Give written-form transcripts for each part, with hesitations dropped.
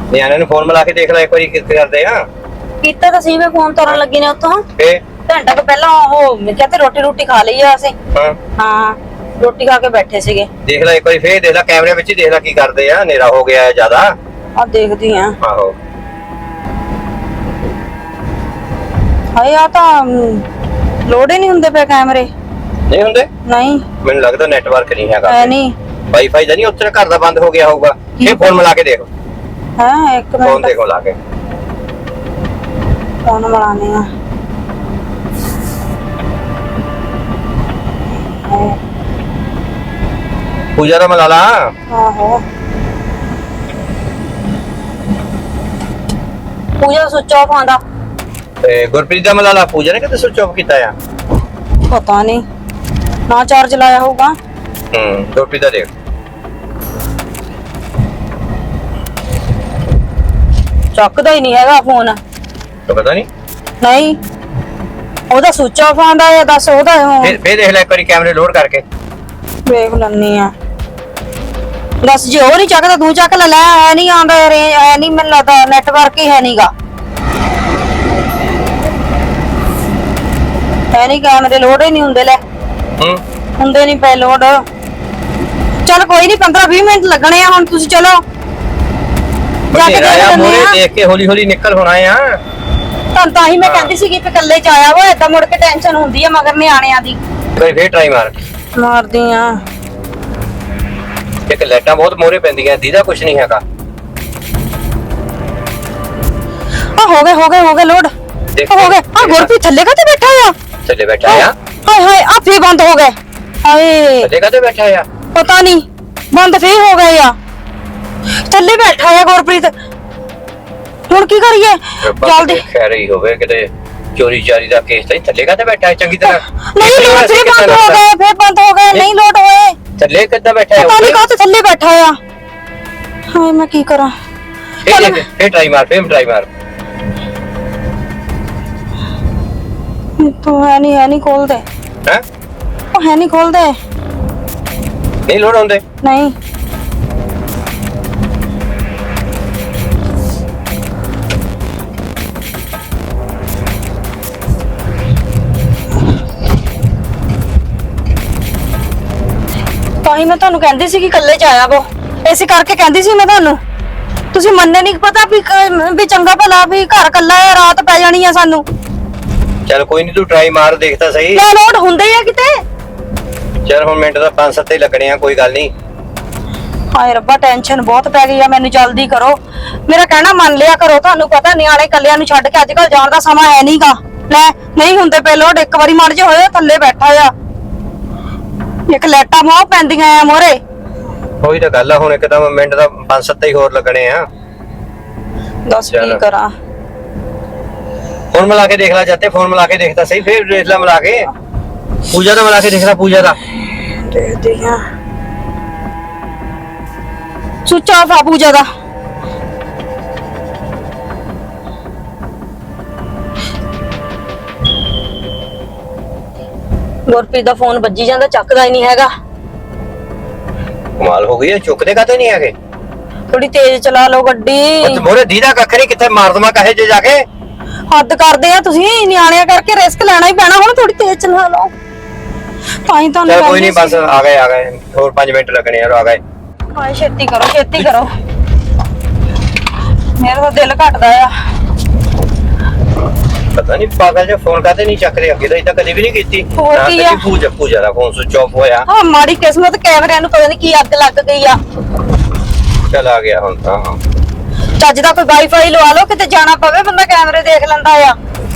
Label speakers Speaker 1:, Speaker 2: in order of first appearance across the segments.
Speaker 1: ਨਿਆਣੇ ਨੂੰ ਫੋਨ ਮਿਲਾ ਕੇ ਦੇਖ ਲੈ ਇੱਕ ਵਾਰੀ ਕਿੱਥੇ ਕਰਦੇ ਆ।
Speaker 2: ਕੀਤਾ ਤਾਂ ਸੀ ਮੈਂ ਫੋਨ ਕਰਨ ਲੱਗੀ ਨੇ ਉੱਥੋਂ
Speaker 1: ਫੇ
Speaker 2: ਘੰਟਾ ਕੁ ਪਹਿਲਾਂ ਉਹ ਮੈਂ ਕਿਹਾ ਤੇ ਰੋਟੀ ਖਾ ਲਈ ਆ ਅਸੀਂ। ਹਾਂ ਰੋਟੀ ਖਾ ਕੇ ਬੈਠੇ ਸੀਗੇ।
Speaker 1: ਦੇਖ ਲੈ ਇੱਕ ਵਾਰੀ ਫੇਰ ਦੇਖ ਲੈ ਕੈਮਰੇ ਵਿੱਚ ਹੀ ਦੇਖ ਲੈ ਕੀ ਕਰਦੇ ਆ। ਹਨੇਰਾ ਹੋ ਗਿਆ ਜਿਆਦਾ।
Speaker 2: ਆ ਦੇਖਦੀ ਆ।
Speaker 1: ਆਹੋ
Speaker 2: ਹਾਏ ਆ ਤਾਂ ਲੋਡ ਹੀ ਨਹੀਂ ਹੁੰਦੇ ਪਏ ਕੈਮਰੇ।
Speaker 1: ਨਹੀਂ ਹੁੰਦੇ?
Speaker 2: ਨਹੀਂ
Speaker 1: ਮੈਨੂੰ ਲੱਗਦਾ ਨੈਟਵਰਕ ਨਹੀਂ ਹੈਗਾ।
Speaker 2: ਹੈ ਨਹੀਂ
Speaker 1: ਵਾਈਫਾਈ ਦਾ ਨਹੀਂ ਉੱਥੇ ਘਰ ਦਾ ਬੰਦ ਹੋ ਗਿਆ ਹੋਊਗਾ। ਇਹ ਫੋਨ ਮਿਲਾ ਕੇ ਦੇਖੋ।
Speaker 2: ਹਾਂ ਇੱਕ
Speaker 1: ਫੋਨ
Speaker 2: ਮਿੰਟ
Speaker 1: ਦੇਖੋ ਲਾ ਕੇ।
Speaker 2: ਫੋਨ ਮਿਲਾਨੇ ਆ।
Speaker 1: ਪੂਜਾ ਦਾ ਮਿਲਾ ਲਾ।
Speaker 2: ਆਹੋ ਪੂਜਾ ਸੁੱਚ ਆਫ ਆਂਦਾ।
Speaker 1: ਤੇ ਗੁਰਪ੍ਰੀਤ ਦਾ ਮਿਲਾ ਲਾ। ਪੂਜਾ ਨੇ ਕਿਤੇ ਸੁੱਚ ਆਫ ਕੀਤਾ ਆ?
Speaker 2: ਪਤਾ ਨਹੀਂ ਨਾ ਚਾਰਜ ਲਾਇਆ ਹੋਊਗਾ।
Speaker 1: ਗੁਰਪ੍ਰੀਤ ਦਾ ਦੇਖ।
Speaker 2: ਚੱਕਦਾ ਹੀ ਨਹੀਂ ਹੈਗਾ ਫੋਨ।
Speaker 1: ਪਤਾ ਨਹੀਂ
Speaker 2: ਨਹੀਂ ਉਹਦਾ ਸੁੱਚ ਆਫ ਆਂਦਾ ਹੈ। ਦੱਸ ਉਹਦਾ
Speaker 1: ਫੇਰ ਦੇਖ ਲੈ ਇੱਕ ਵਾਰੀ ਕੈਮਰੇ ਲੋਡ ਕਰਕੇ।
Speaker 2: ਵੇਖ ਲੈਣੀ ਆ। ਦੱਸ ਜੇ ਉਹ ਨਹੀਂ ਚੱਕਦਾ ਤੂੰ ਚੱਕ ਲੈ। ਐ ਨਹੀਂ ਆਂਦਾ ਐ ਨਹੀਂ ਮੈਨੂੰ ਲੱਗਦਾ ਨੈਟਵਰਕ ਹੀ ਹੈ ਨਹੀਂਗਾ। ਹੈ ਨਹੀਂ ਕੈਮਰੇ ਲੋਡ ਹੀ ਨਹੀਂ ਹੁੰਦੇ। ਲੈ ਹੁੰਦੇ ਨਹੀਂ ਪਏ ਲੋਡ। ਚਲ ਕੋਈ ਨਹੀਂ 15-20 ਮਿੰਟ ਲੱਗਣੇ ਆ ਹੁਣ। ਤੁਸੀਂ ਚਲੋ ਜਾ ਕੇ
Speaker 1: ਦੇਖ ਕੇ ਹੌਲੀ ਹੌਲੀ ਨਿਕਲ ਹੋਣਾ ਆ।
Speaker 2: ਤੁਹਾਨੂੰ ਤਾਂ ਹੀ ਮੈਂ ਕਹਿੰਦੀ ਸੀ ਕਿ ਇਕੱਲੇ ਚ ਆਇਆ ਵਾ। ਏਦਾਂ ਮੁੜ ਕੇ ਟੈਨਸ਼ਨ ਹੁੰਦੀ ਆ ਮਗਰ ਨਿਆਣਿਆਂ ਦੀ।
Speaker 1: ਕੋਈ ਫੇਰ ਟਰਾਈ
Speaker 2: ਮਾਰਦੀ ਆ।
Speaker 1: ਇੱਕ ਲਾਈਟਾਂ ਬਹੁਤ ਮੋਹਰੇ ਪੈਂਦੀਆਂ। ਦੀਦਾ ਕੁਛ ਨਹੀਂ ਹੈਗਾ।
Speaker 2: ਆ ਹੋ ਗਏ ਲੋਡ ਹੋ ਗਏ। ਆ ਗੁਰਪ੍ਰੀਤ ਥੱਲੇ ਕਾਤੇ ਬੈਠਾ ਆ?
Speaker 1: ਥੱਲੇ ਬੈਠਾ ਆ।
Speaker 2: ਹਾਏ ਹਾਏ ਆ ਫੇਰ ਬੰਦ ਹੋ ਗਏ। ਹਾਏ
Speaker 1: ਥੱਲੇ ਕਾਤੇ ਬੈਠਾ ਆ?
Speaker 2: ਪਤਾ ਨਹੀਂ ਬੰਦ ਫੇਰ ਹੋ ਗਏ ਆ। ਥੱਲੇ ਬੈਠਾ ਆ ਗੁਰਪ੍ਰੀਤ। ਹੁਣ ਕੀ ਕਰੀਏ? ਜਲਦੀ
Speaker 1: ਖੈਰ ਹੀ ਹੋਵੇ ਕਿਤੇ ਚੋਰੀ ਚਾਰੀ ਦਾ ਕੇਸ ਤਾਂ ਥੱਲੇ ਕਾਤੇ ਬੈਠਾ ਹੈ ਚੰਗੀ ਤਰ੍ਹਾਂ।
Speaker 2: ਨਹੀਂ ਲੋਡ ਫੇਰ ਬੰਦ ਹੋ ਗਏ। ਫੇਰ ਬੰਦ ਹੋ ਗਏ। ਨਹੀਂ ਲੋਡ ਹੋਏ।
Speaker 1: ਥੱਲੇ ਕਿੱਦਾਂ ਬੈਠਾ ਹੈ?
Speaker 2: ਪਤਾ ਨਹੀਂ ਕਾਤੇ ਥੱਲੇ ਬੈਠਾ ਆ। ਹਾਏ ਮੈਂ ਕੀ ਕਰਾਂ?
Speaker 1: ਫੇਰ ਟਰਾਈ ਮਾਰ।
Speaker 2: ਤੂੰ ਹੈ ਨਹੀਂ ਖੋਲਦੇ।
Speaker 1: ਹੈ
Speaker 2: ਉਹ ਹੈ ਨਹੀਂ ਖੋਲਦੇ।
Speaker 1: ਨਹੀਂ ਲੋਡ ਹੁੰਦੇ।
Speaker 2: ਨਹੀਂ ਤਾਂ ਹੀ ਮੈਂ ਤੁਹਾਨੂੰ ਕਹਿੰਦੀ ਸੀ ਕਿ ਇਕੱਲੇ ਚ ਆਇਆ ਵੋ। ਇਸੇ ਕਰਕੇ ਕਹਿੰਦੀ ਸੀ ਮੈਂ ਤੁਹਾਨੂੰ। ਤੁਸੀਂ ਮੰਨੇ ਨਹੀਂ। ਪਤਾ ਵੀ ਚੰਗਾ ਭਲਾ ਵੀ ਘਰ ਇਕੱਲਾ ਹੈ। ਰਾਤ ਪੈ ਜਾਣੀ ਆ ਸਾਨੂੰ।
Speaker 1: ਚਲ ਕੋਈ ਨਹੀਂ ਤੂੰ ਟਰਾਈ ਮਾਰ ਦੇਖਦਾ ਸਹੀ।
Speaker 2: ਕਿਆ ਲੋਡ ਹੁੰਦੇ ਆ ਕਿਤੇ?
Speaker 1: ਚਲ ਹੁਣ ਮਿੰਟ ਦਾ 5-7 ਹੀ ਲੱਗਣੇ ਆ। ਕੋਈ ਗੱਲ ਨਹੀਂ।
Speaker 2: ਹਾਏ ਰੱਬਾ ਟੈਨਸ਼ਨ ਬਹੁਤ ਪੈ ਗਈ ਆ ਮੈਨੂੰ। ਜਲਦੀ ਕਰੋ। ਮੇਰਾ ਕਹਿਣਾ ਮੰਨ ਲਿਆ ਕਰੋ। ਤੁਹਾਨੂੰ ਪਤਾ ਨਿਆਣੇ ਕੱਲਿਆਂ ਨੂੰ ਛੱਡ ਕੇ ਅੱਜ ਕੱਲ ਜਾਣ ਦਾ ਸਮਾਂ ਹੈ ਨਹੀਂਗਾ। ਲੈ ਨਹੀਂ ਹੁੰਦੇ ਪਏ ਲੋਡ। ਇੱਕ ਵਾਰੀ ਮਰ ਜੇ ਹੋਏ ਥੱਲੇ ਬੈਠਾ ਆ। ਇੱਕ ਲੈਟਾਂ ਮੋਹ ਪੈਂਦੀਆਂ ਆ ਮੋਰੇ।
Speaker 1: ਉਹੀ ਤਾਂ ਗੱਲ ਆ। ਹੁਣ ਇੱਕਦਮ ਮਿੰਟ ਦਾ 5-7 ਹੀ ਹੋਰ ਲੱਗਣੇ ਆ।
Speaker 2: ਦੱਸ ਕੀ ਕਰਾਂ?
Speaker 1: ਫੋਨ ਮਿਲਾ ਕੇ ਦੇਖ ਲੈ। ਜਾਤੇ ਫੋਨ ਮਿਲਾ ਕੇ ਦੇਖਦਾ ਸਹੀ। ਫੇਰ ਦੇਖ ਲੈ ਮਿਲਾ ਕੇ। ਪੂਜਾ ਦਾ ਮਿਲਾ ਕੇ ਦੇਖ ਲੈ। ਪੂਜਾ ਦਾ
Speaker 2: ਦੇਖਦੇ ਆ। ਸੁੱਚ ਆਫ ਆ ਪੂਜਾ ਦਾ। ਗੁਰਪ੍ਰੀਤ ਦਾ ਫੋਨ ਵੱਜੀ ਜਾਂਦਾ ਚੱਕਦਾ ਹੀ ਨਹੀਂ ਹੈਗਾ।
Speaker 1: ਕਮਾਲ ਹੋ ਗਈ। ਚੁੱਕਦੇ ਕਾਤੇ ਨਹੀਂ ਹੈਗੇ?
Speaker 2: ਥੋੜੀ ਤੇਜ਼ ਚਲਾ ਲਓ ਗੱਡੀ।
Speaker 1: ਮੋਰੇ ਦੀਦਾ ਕੱਖ ਨਹੀਂ। ਕਿੱਥੇ ਮਾਰ ਦਮਾ ਕਹੇ ਜੇ ਜਾ ਕੇ।
Speaker 2: ਹੱਦ ਕਰਦੇ ਆ ਤੁਸੀਂ। ਨਿਆਣਿਆਂ ਕਰਕੇ ਰਿਸਕ ਲੈਣਾ ਹੀ ਪੈਣਾ। ਹੁਣ ਥੋੜੀ ਤੇਜ਼ ਚਲਾ ਲਓ। ਤਾਂ ਹੀ ਤੁਹਾਨੂੰ
Speaker 1: ਚਲ ਕੋਈ ਨਹੀਂ ਬਸ ਆ ਗਏ। ਹੋਰ 5 ਮਿੰਟ ਲੱਗਣੇ ਆ। ਆ ਗਏ।
Speaker 2: ਹਾਏ ਛੇਤੀ ਕਰੋ। ਮੇਰਾ ਤਾਂ ਦਿਲ ਘਟਦਾ ਆ।
Speaker 1: ਪਤਾ ਨਹੀਂ ਪਾਗਲ ਜਿਹਾ ਫੋਨ ਕਾਤੇ ਨਹੀਂ ਚੱਕ ਰਿਹਾ। ਅੱਗੇ ਤਾਂ ਇਦਾਂ ਕਦੇ ਵੀ ਨਹੀਂ ਕੀਤੀ।
Speaker 2: ਹੋਰ ਕੀ ਆ?
Speaker 1: ਪੂਜਾ ਦਾ ਫੋਨ ਸੁਚ ਆਫ ਹੋਇਆ।
Speaker 2: ਹਾਂ ਮਾੜੀ ਕਿਸਮਤ। ਕੈਮਰਿਆਂ ਨੂੰ ਪਤਾ ਨਹੀਂ ਕੀ ਅੱਗ ਲੱਗ ਗਈ ਆ।
Speaker 1: ਚਲ ਆ ਗਿਆ ਹੁਣ ਤਾਂ।
Speaker 2: ਚੱਜ ਦਾ ਕੋਈ ਵਾਈਫਾਈ ਲਵਾ ਲਓ। ਕਿਤੇ ਜਾਣਾ ਪਵੇ ਬੰਦਾ ਕੈਮਰੇ ਦੇਖ ਲੈਂਦਾ ਆ।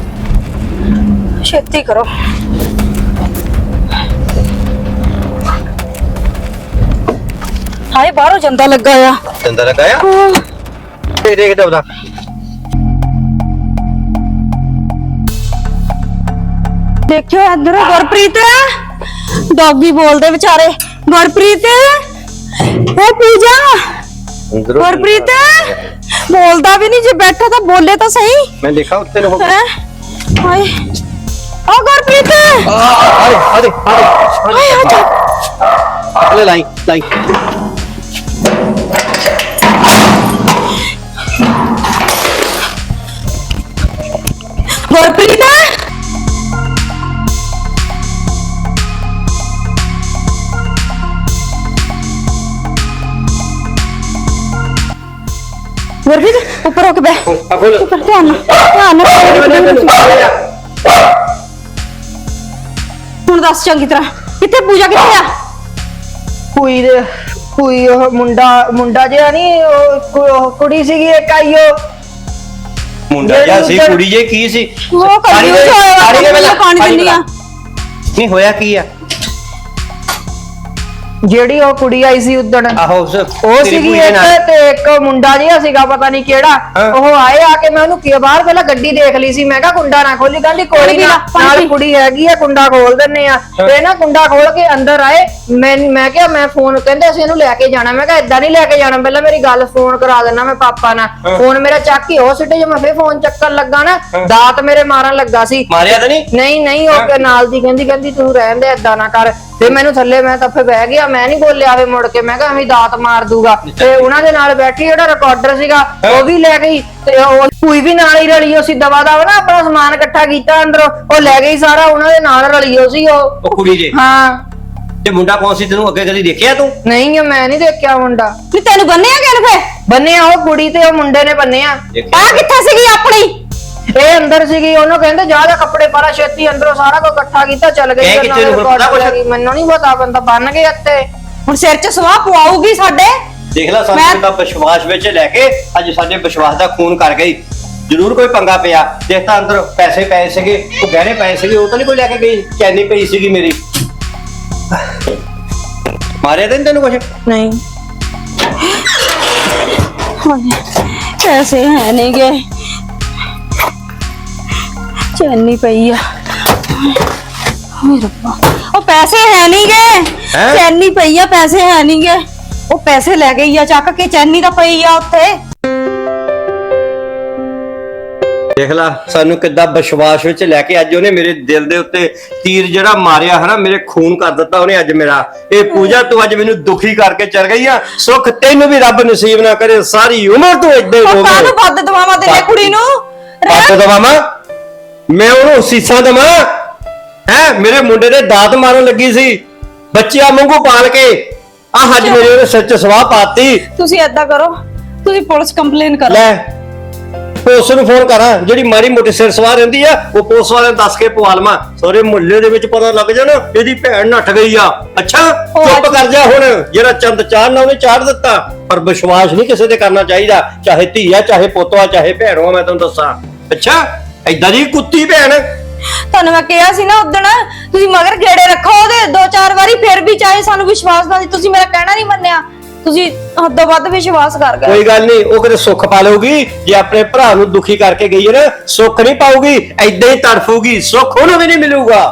Speaker 2: ਛੇਤੀ ਕਰੋ। ਹਾਏ ਬਾਹਰੋਂ ਜੰਦਾ ਲੱਗਾ ਆ।
Speaker 1: ਜੰਦਾ ਲੱਗਾ ਆ? ਦੇਖ ਦਬਦਾ।
Speaker 2: ਦੇਖਿਓ ਇੱਧਰ ਗੁਰਪ੍ਰੀਤ। ਡੌਗੀ ਬੋਲਦੇ ਵਿਚਾਰੇ। ਗੁਰਪ੍ਰੀਤ ਉਹ ਪੂਜਾ। ਗੁਰਪ੍ਰੀਤ ਬੋਲਦਾ ਵੀ ਨਹੀਂ। ਜੇ ਬੈਠਾ ਤਾਂ ਬੋਲੇ ਤਾਂ ਸਹੀ।
Speaker 1: ਮੈਂ ਦੇਖਾ ਉੱਤੇ ਨੂੰ।
Speaker 2: ਹਾਏ ਓ ਗੁਰਪ੍ਰੀਤ।
Speaker 1: ਆ ਲੈ ਲਾਈ।
Speaker 2: ਗੁਰਪ੍ਰੀਤ ਉੱਪਰ ਹੋ ਕੇ ਬਹਿ।
Speaker 1: ਆ ਖੋਲ
Speaker 2: ਉੱਪਰ ਧਿਆਨ ਨਾਲ ਹੁਣ ਦੱਸ ਚੰਗੀ ਤਰ੍ਹਾਂ ਕਿੱਥੇ ਪੂਜਾ, ਕਿੱਥੇ ਆ?
Speaker 3: ਕੋਈ ਉਹ ਮੁੰਡਾ ਜਿਹਾ ਨਹੀਂ, ਉਹ ਕੁੜੀ ਸੀਗੀ ਇੱਕ ਆਈ ਉਹ
Speaker 1: ਮੁੰਡਾ ਜਾਂ ਸੀ ਕੁੜੀ ਜੇ ਕੀ ਸੀ?
Speaker 2: ਉਹ
Speaker 1: ਪਾਣੀ
Speaker 2: ਕੰਜੂਸ ਹੋਇਆ ਵਾ,
Speaker 1: ਦੇ ਪਹਿਲਾਂ,
Speaker 2: ਪਾਣੀ ਦਿੰਦੀ ਆ।
Speaker 1: ਨਹੀਂ ਹੋਇਆ ਕੀ ਆ?
Speaker 3: ਜਿਹੜੀ ਉਹ ਕੁੜੀ ਆਈ ਸੀ ਉਦਣ,
Speaker 1: ਆਹੋ
Speaker 3: ਉਹ ਸੀਗੀ ਇੱਕ, ਤੇ ਇੱਕ ਮੁੰਡਾ ਜਿਹਾ ਸੀਗਾ ਪਤਾ ਨਹੀਂ ਕਿਹੜਾ।
Speaker 1: ਹਾਂ।
Speaker 3: ਉਹ ਆਏ ਆ ਕੇ ਮੈਂ ਉਹਨੂੰ ਕੀ ਬਾਹਰ ਪਹਿਲਾਂ ਗੱਡੀ ਦੇਖ ਲਈ ਸੀ, ਮੈਂ ਕਿਹਾ ਕੁੰਡਾ ਨਾ ਖੋਲੀ, ਕਹਿੰਦੀ ਕੋਈ ਨਾ ਨਾਲ ਕੁੜੀ ਹੈਗੀ ਆ, ਕੁੰਡਾ ਖੋਲ ਦਿੰਨੇ ਆ। ਤੇ ਨਾ ਕੁੰਡਾ ਖੋਲ ਕੇ ਅੰਦਰ ਆਏ। ਮੈਂ ਕਿਹਾ ਮੈਂ ਫੋਨ, ਕਹਿੰਦੇ ਅਸੀਂ ਇਹਨੂੰ ਲੈ ਕੇ ਜਾਣਾ। ਮੈਂ ਕਿਹਾ ਏਦਾਂ ਨਹੀਂ ਲੈ ਕੇ ਜਾਣਾ, ਪਹਿਲਾਂ ਮੇਰੀ ਗੱਲ ਫੋਨ ਕਰਾ ਦੇਣਾ ਮੈਂ ਪਾਪਾ ਨਾਲ। ਫੋਨ ਮੇਰਾ ਚੱਕ ਕੇ ਉਹ ਸਿੱਟੇ, ਜੇ ਮੈਂ ਫੇਰ ਫੋਨ ਚੱਕਣ ਲੱਗਾ ਨਾ ਦਾਤ ਮੇਰੇ ਮਾਰਨ ਲੱਗਾ ਸੀ।
Speaker 1: ਮਾਰਿਆ ਤਾਂ ਨਹੀਂ?
Speaker 3: ਨਹੀਂ ਉਹ ਨਾਲ ਦੀ ਕਹਿੰਦੀ ਤੂੰ ਰਹਿਣ ਦੇ, ਏਦਾਂ ਨਾ ਕਰ। ਤੇ ਮੈਨੂੰ ਥੱਲੇ, ਮੈਂ ਤਾਂ ਫੇ ਬਹਿ ਗਿਆ, ਮੈਂ ਨਹੀਂ ਬੋਲਿਆ ਫੇ ਮੁੜ ਕੇ। ਮੈਂ ਕਿਹਾ ਐਵੇਂ ਦਾਤ ਮਾਰ ਦੂਗਾ। ਤੇ ਉਹਨਾਂ ਦੇ ਨਾਲ ਬੈਠੀ ਜਿਹੜਾ ਰਿਕਾਰਡਰ ਸੀਗਾ ਉਹ ਵੀ ਲੈ ਗਈ, ਤੇ ਉਹ ਕੋਈ ਵੀ ਨਾਲ ਹੀ ਰਲੀ। ਅਸੀਂ ਦਵਾ ਦਵਾ ਨਾ ਆਪਣਾ ਸਮਾਨ ਇਕੱਠਾ ਕੀਤਾ ਅੰਦਰੋਂ, ਉਹ ਲੈ ਗਈ ਸਾਰਾ, ਉਹਨਾਂ ਦੇ ਨਾਲ ਰਲੀ ਹੋ ਸੀ ਉਹ
Speaker 1: ਕੁੜੀ ਜੇ।
Speaker 3: ਹਾਂ।
Speaker 1: ਤੇ ਮੁੰਡਾ ਕੌਣ ਸੀ? ਤੈਨੂੰ ਅੱਗੇ ਕਦੀ ਦੇਖਿਆ ਤੂੰ?
Speaker 3: ਨਹੀਂ ਮੈਂ ਨਹੀਂ ਦੇਖਿਆ ਮੁੰਡਾ।
Speaker 2: ਨਹੀਂ ਤੈਨੂੰ ਬੰਨਿਆ ਕਿਹਨੇ ਫੇ?
Speaker 3: ਬੰਨਿਆ ਉਹ ਕੁੜੀ ਤੇ ਉਹ ਮੁੰਡੇ ਨੇ ਬੰਨਿਆ।
Speaker 2: ਆ ਕਿੱਥੇ ਸੀਗੀ ਆਪਣੀ?
Speaker 3: ਇਹ ਅੰਦਰ ਸੀਗੀ, ਉਹਨੂੰ ਕਹਿੰਦੇ ਜਾ ਜਾ ਕੱਪੜੇ ਪਾਲਾ ਛੇਤੀ ਅੰਦਰੋਂ, ਸਾਰਾ ਕੁਝ ਇਕੱਠਾ ਕੀਤਾ ਚੱਲ ਗਈ। ਮੈਨੂੰ ਨਹੀਂ ਪਤਾ, ਬੰਦਾ ਬੰਨ ਗਿਆ ਇੱਥੇ।
Speaker 2: ਹੁਣ ਸਿਰ 'ਚ ਸਵਾਹ ਪਵਾਉਗੀ ਸਾਡੇ।
Speaker 1: ਦੇਖ ਲੈ ਸਾਨੂੰ ਤਾਂ ਵਿਸ਼ਵਾਸ ਵਿੱਚ ਲੈ ਕੇ ਅੱਜ ਸਾਡੇ ਵਿਸ਼ਵਾਸ ਦਾ ਖੂਨ ਕਰ ਗਈ। ਜ਼ਰੂਰ ਕੋਈ ਪੰਗਾ ਪਿਆ। ਦੇਖ ਤਾਂ ਅੰਦਰ ਪੈਸੇ ਪਏ ਸੀਗੇ, ਉਹ ਗਹਿਣੇ ਪਏ ਸੀਗੇ, ਉਹ ਤਾਂ ਨਹੀਂ ਕੋਈ ਲੈ ਕੇ ਗਈ। ਚੈਨੀ ਪਈ ਸੀਗੀ ਮੇਰੀ। ਮਾਰਿਆ ਤਾਂ ਨਹੀਂ ਤੈਨੂੰ ਕੁਛ?
Speaker 2: ਨਹੀਂ ਪੈਸੇ ਹੈ ਨਹੀਂ ਗਏ, ਚੈਨੀ ਪਈ ਆ। ਹਾਏ ਰੱਬਾ, ਉਹ ਪੈਸੇ ਹੈ ਨਹੀਂ ਗਏ, ਚੈਨੀ ਪਈ ਆ, ਪੈਸੇ ਹੈ ਨਹੀਂ ਗਏ। ਉਹ ਪੈਸੇ ਲੈ ਗਈ ਆ ਚੱਕ ਕੇ, ਚੈਨੀ ਤਾਂ ਪਈ ਆ ਉੱਥੇ।
Speaker 1: ਦੇਖ ਲਾ ਸਾਨੂੰ ਕਿੱਦਾਂ ਵਿਸ਼ਵਾਸ ਵਿੱਚ ਲੈ ਕੇ ਅੱਜ ਉਹਨੇ ਮੇਰੇ ਦਿਲ ਦੇ ਉੱਤੇ ਤੀਰ ਜਿਹੜਾ ਮਾਰਿਆ ਹੈ ਨਾ, ਮੇਰੇ ਖੂਨ ਕਰ ਦਿੱਤਾ ਉਹਨੇ ਅੱਜ ਮੇਰਾ। ਇਹ ਪੂਜਾ ਤੂੰ ਅੱਜ ਮੈਨੂੰ ਦੁਖੀ ਕਰਕੇ ਚਲ ਗਈ ਆ। ਸੁੱਖ ਤੈਨੂੰ ਵੀ ਰੱਬ ਨਸੀਬ ਨਾ ਕਰੇ, ਸਾਰੀ ਉਮਰ ਤੂੰ ਏਦਾਂ ਹੀ ਹੋਵੇ।
Speaker 2: ਕਾਹਨੂੰ ਬੱਦ ਦਵਾਵਾਂ ਤੇਰੇ ਕੁੜੀ ਨੂੰ?
Speaker 1: ਬੱਦ ਦਵਾਵਾਂ? ਮੈਂ ਉਹਨੂੰ ਸੀਸਾਂ ਦਵਾਂ? ਹੈ ਮੇਰੇ ਮੁੰਡੇ ਦੇ ਦਾਤ ਮਾਰਨ ਲੱਗੀ ਸੀ, ਬੱਚਿਆਂ ਵਾਂਗੂ ਪਾਲ ਕੇ। ਆਹ ਅੱਜ ਮੇਰੇ ਉਹਨੇ ਸਿਰ 'ਚ ਸਵਾਹ ਪਾਤੀ।
Speaker 2: ਤੁਸੀਂ ਏਦਾਂ ਕਰੋ, ਤੁਸੀਂ ਪੁਲਿਸ ਕੰਪਲੇਨ ਕਰੋ।
Speaker 1: ਲੈ ਪੁਲਿਸ ਨੂੰ ਫੋਨ ਕਰਾਂ, ਜਿਹੜੀ ਮਾੜੀ ਮੋਟੀ ਸਿਰ ਸਵਾਰ ਰਹਿੰਦੀ ਆ ਉਹ ਪੁਲਿਸ ਵਾਲਿਆਂ ਨੂੰ ਦੱਸ ਕੇ ਪਵਾ ਲਵਾਂ। ਸਾਰੇ ਮੁਹੱਲੇ ਦੇ ਵਿੱਚ ਪਤਾ ਲੱਗ ਜਾਣਾ ਇਹਦੀ ਭੈਣ ਨੱਠ ਗਈ ਆ। ਅੱਛਾ ਚੁੱਪ ਕਰ ਜਾ ਹੁਣ, ਜਿਹੜਾ ਚੰਦ ਚਾੜਨਾ ਉਹਨੇ ਚਾੜ ਦਿੱਤਾ। ਪਰ ਵਿਸ਼ਵਾਸ ਨਹੀਂ ਕਿਸੇ ਤੇ ਕਰਨਾ ਚਾਹੀਦਾ, ਚਾਹੇ ਧੀ ਆ, ਚਾਹੇ ਪੁੱਤ ਆ, ਚਾਹੇ ਭੈਣ ਆ। ਮੈਂ ਤੈਨੂੰ ਦੱਸਾਂ, ਅੱਛਾ ਏਦਾਂ ਦੀ ਕੁੱਤੀ ਭੈਣ।
Speaker 2: ਤੁਹਾਨੂੰ ਮੈਂ ਕਿਹਾ ਸੀ ਨਾ ਉਦਣ, ਤੁਸੀਂ ਮਗਰ ਗੇੜੇ ਰੱਖੋ ਉਹਦੇ 2-4 ਵਾਰੀ, ਫਿਰ ਵੀ ਚਾਹੇ ਸਾਨੂੰ ਵਿਸ਼ਵਾਸ ਨਾ ਸੀ। ਤੁਸੀਂ ਮੇਰਾ ਕਹਿਣਾ ਨਹੀਂ ਮੰਨਿਆ, ਤੁਸੀਂ ਹੱਦੋਂ ਵੱਧ ਵਿਸ਼ਵਾਸ ਕਰ ਗਏ।
Speaker 1: ਕੋਈ ਗੱਲ ਨਹੀਂ, ਉਹ ਕਿਤੇ ਸੁੱਖ ਪਾ ਲਊਗੀ। ਜੇ ਆਪਣੇ ਭਰਾ ਨੂੰ ਦੁਖੀ ਕਰਕੇ ਗਈ ਹੈ ਨਾ, ਸੁੱਖ ਨਹੀਂ ਪਾਊਗੀ, ਏਦਾਂ ਹੀ ਤੜਫੂਗੀ। ਸੁੱਖ ਉਹਨੂੰ ਵੀ ਨਹੀਂ ਮਿਲੂਗਾ।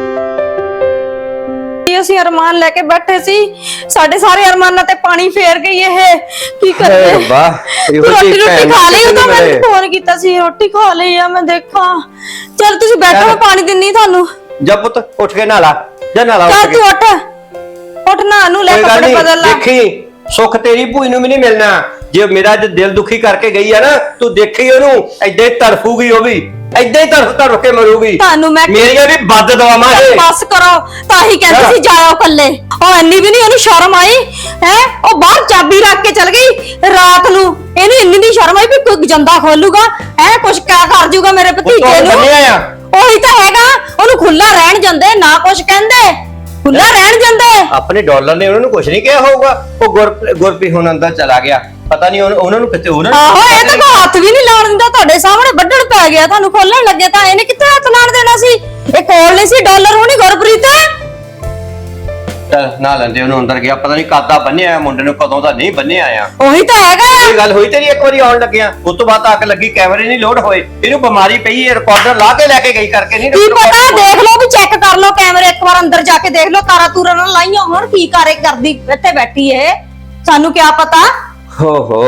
Speaker 2: ਅਸੀਂ ਅਰਮਾਨ ਲੈ ਕੇ ਬੈਠੇ ਸੀ, ਸਾਡੇ ਸਾਰੇ ਅਰਮਾਨਾਂ ਤੇ ਪਾਣੀ ਫੇਰ ਗਈ। ਇਹ ਕੀ ਕਰੀਏ? ਰੋਟੀ ਖਾ ਲਈ? ਉਦੋਂ ਮੈਂ ਫੋਨ ਕੀਤਾ ਸੀ, ਰੋਟੀ ਖਾ ਲਈ ਆ ਮੈਂ, ਦੇਖਾਂ। ਚਲ ਤੁਸੀਂ ਬੈਠੋ, ਮੈਂ ਪਾਣੀ ਦਿੰਨੀ ਤੁਹਾਨੂੰ।
Speaker 1: ਜਾ ਪੁੱਤ ਉੱਠ ਕੇ ਨਹਾ ਜਾ, ਨਹਾ
Speaker 2: ਚੱਲ ਤੂੰ ਉੱਠ ਨਹਾ ਨੂੰ ਲੈ, ਕੱਪੜੇ ਬਦਲ ਲੈ।
Speaker 1: ਦੇਖੀ ਸੁੱਖ ਤੇਰੀ ਭੂਈ ਨੂੰ ਵੀ ਨਹੀਂ ਮਿਲਣਾ। ਜੇ ਮੇਰਾ ਅੱਜ ਦਿਲ ਦੁਖੀ ਕਰਕੇ ਗਈ ਆ ਨਾ, ਤੂੰ ਦੇਖੀ ਉਹਨੂੰ ਏਦਾਂ ਹੀ ਤੜਫੂਗੀ, ਉਹ ਵੀ ਏਦਾਂ ਹੀ ਤੜਫ ਕੇ ਮਰੂਗੀ।
Speaker 2: ਤੁਹਾਨੂੰ ਮੈਂ
Speaker 1: ਮੇਰੀਆਂ ਵੀ ਬੱਦ ਦਵਾਵਾਂ ਇਹ।
Speaker 2: ਬਸ ਕਰੋ, ਤਾਂ ਹੀ ਕਹਿੰਦੇ ਸੀ ਜਾਓ ਕੱਲੇ। ਉਹ ਇੰਨੀ ਵੀ ਨਹੀਂ ਉਹਨੂੰ ਸ਼ਰਮ ਆਈ ਹੈ, ਉਹ ਬਾਹਰ ਚਾਬੀ ਰੱਖ ਕੇ ਚਲ ਗਈ ਰਾਤ ਨੂੰ। ਇਹਨੂੰ ਇੰਨੀ ਦੀ ਸ਼ਰਮ ਆਈ ਵੀ ਕੋਈ ਜੰਦਾ ਖੋਲੂਗਾ, ਹੈ ਕੁਛ ਕਿਆ ਕਰ ਜੂਗਾ ਮੇਰੇ ਭਤੀਜੇ ਨੂੰ। ਉਹੀ ਤਾਂ ਹੈਗਾ, ਉਹਨੂੰ ਖੁੱਲਾ ਰਹਿਣ ਜਾਂਦੇ, ਨਾ ਕੁਛ ਕਹਿੰਦੇ, ਖੁੱਲਾ ਰਹਿਣ ਜਾਂਦੇ।
Speaker 1: ਆਪਣੇ ਡਾਲਰ ਨੇ ਉਹਨਾਂ ਨੂੰ ਕੁਝ ਨਹੀਂ ਕਿਹਾ ਹੋਊਗਾ। ਉਹ ਗੁਰਪ੍ਰੀਤ ਹੁਣ ਅੰਦਰ ਚਲਾ ਗਿਆ, ਪਤਾ ਨਹੀਂ ਉਹਨਾਂ ਨੂੰ ਕਿੱਥੇ ਉਹਨਾਂ
Speaker 2: ਆਹੋ ਇਹ ਤਾਂ ਕੋਈ ਹੱਥ ਵੀ ਨਹੀਂ ਲਾਉਣ ਦਿੰਦਾ। ਤੁਹਾਡੇ ਸਾਹਮਣੇ ਵੱਢਣ ਪੈ ਗਿਆ, ਤੁਹਾਨੂੰ ਖੋਲਣ ਲੱਗੇ ਤਾਂ ਇਹਨੇ ਕਿੱਥੇ ਹੱਥ ਲਾਣ ਦੇਣਾ ਸੀ? ਇਹ ਕੋਲ ਨਹੀਂ ਸੀ ਡਾਲਰ ਹੋਣੀ ਗੁਰਪ੍ਰੀਤ।
Speaker 1: ਚੱਲ ਨਾ ਲੈਂਦੇ ਉਹਨੂੰ ਅੰਦਰ ਗਿਆ, ਪਤਾ ਨਹੀਂ ਕਾਦਾ ਬੰਨਿਆ ਮੁੰਡੇ ਨੂੰ, ਕਦੋਂ ਦਾ ਨਹੀਂ ਬੰਨਿਆ ਆ।
Speaker 2: ਉਹੀ ਤਾਂ ਹੈਗਾ।
Speaker 1: ਇਹ ਗੱਲ ਹੋਈ ਤੇਰੀ ਇੱਕ ਵਾਰੀ ਆਉਣ ਲੱਗਿਆ, ਉਸ ਤੋਂ ਬਾਅਦ ਅੱਗ ਲੱਗੀ, ਕੈਮਰੇ ਨਹੀਂ ਲੋਡ ਹੋਏ। ਇਹਨੂੰ ਬਿਮਾਰੀ ਪਈ, ਇਹ ਰਿਕਾਰਡਰ ਲਾ ਕੇ ਲੈ ਕੇ ਗਈ ਕਰਕੇ ਨਹੀਂ।
Speaker 2: ਕੀ ਪਤਾ, ਦੇਖ ਲਓ ਵੀ ਚੈੱਕ ਕਰ ਲਓ ਕੈਮਰੇ, ਇੱਕ ਵਾਰ ਅੰਦਰ ਜਾ ਕੇ ਦੇਖ ਲਓ, ਤਾਰਾ ਤੂਰਾ ਨਾਲ ਲਾਈਆਂ ਹੋਣ, ਕੀ ਕਰਦੀ ਇੱਥੇ ਬੈਠੀ ਇਹ, ਸਾਨੂੰ ਕੀ ਪਤਾ।
Speaker 1: ਹੋ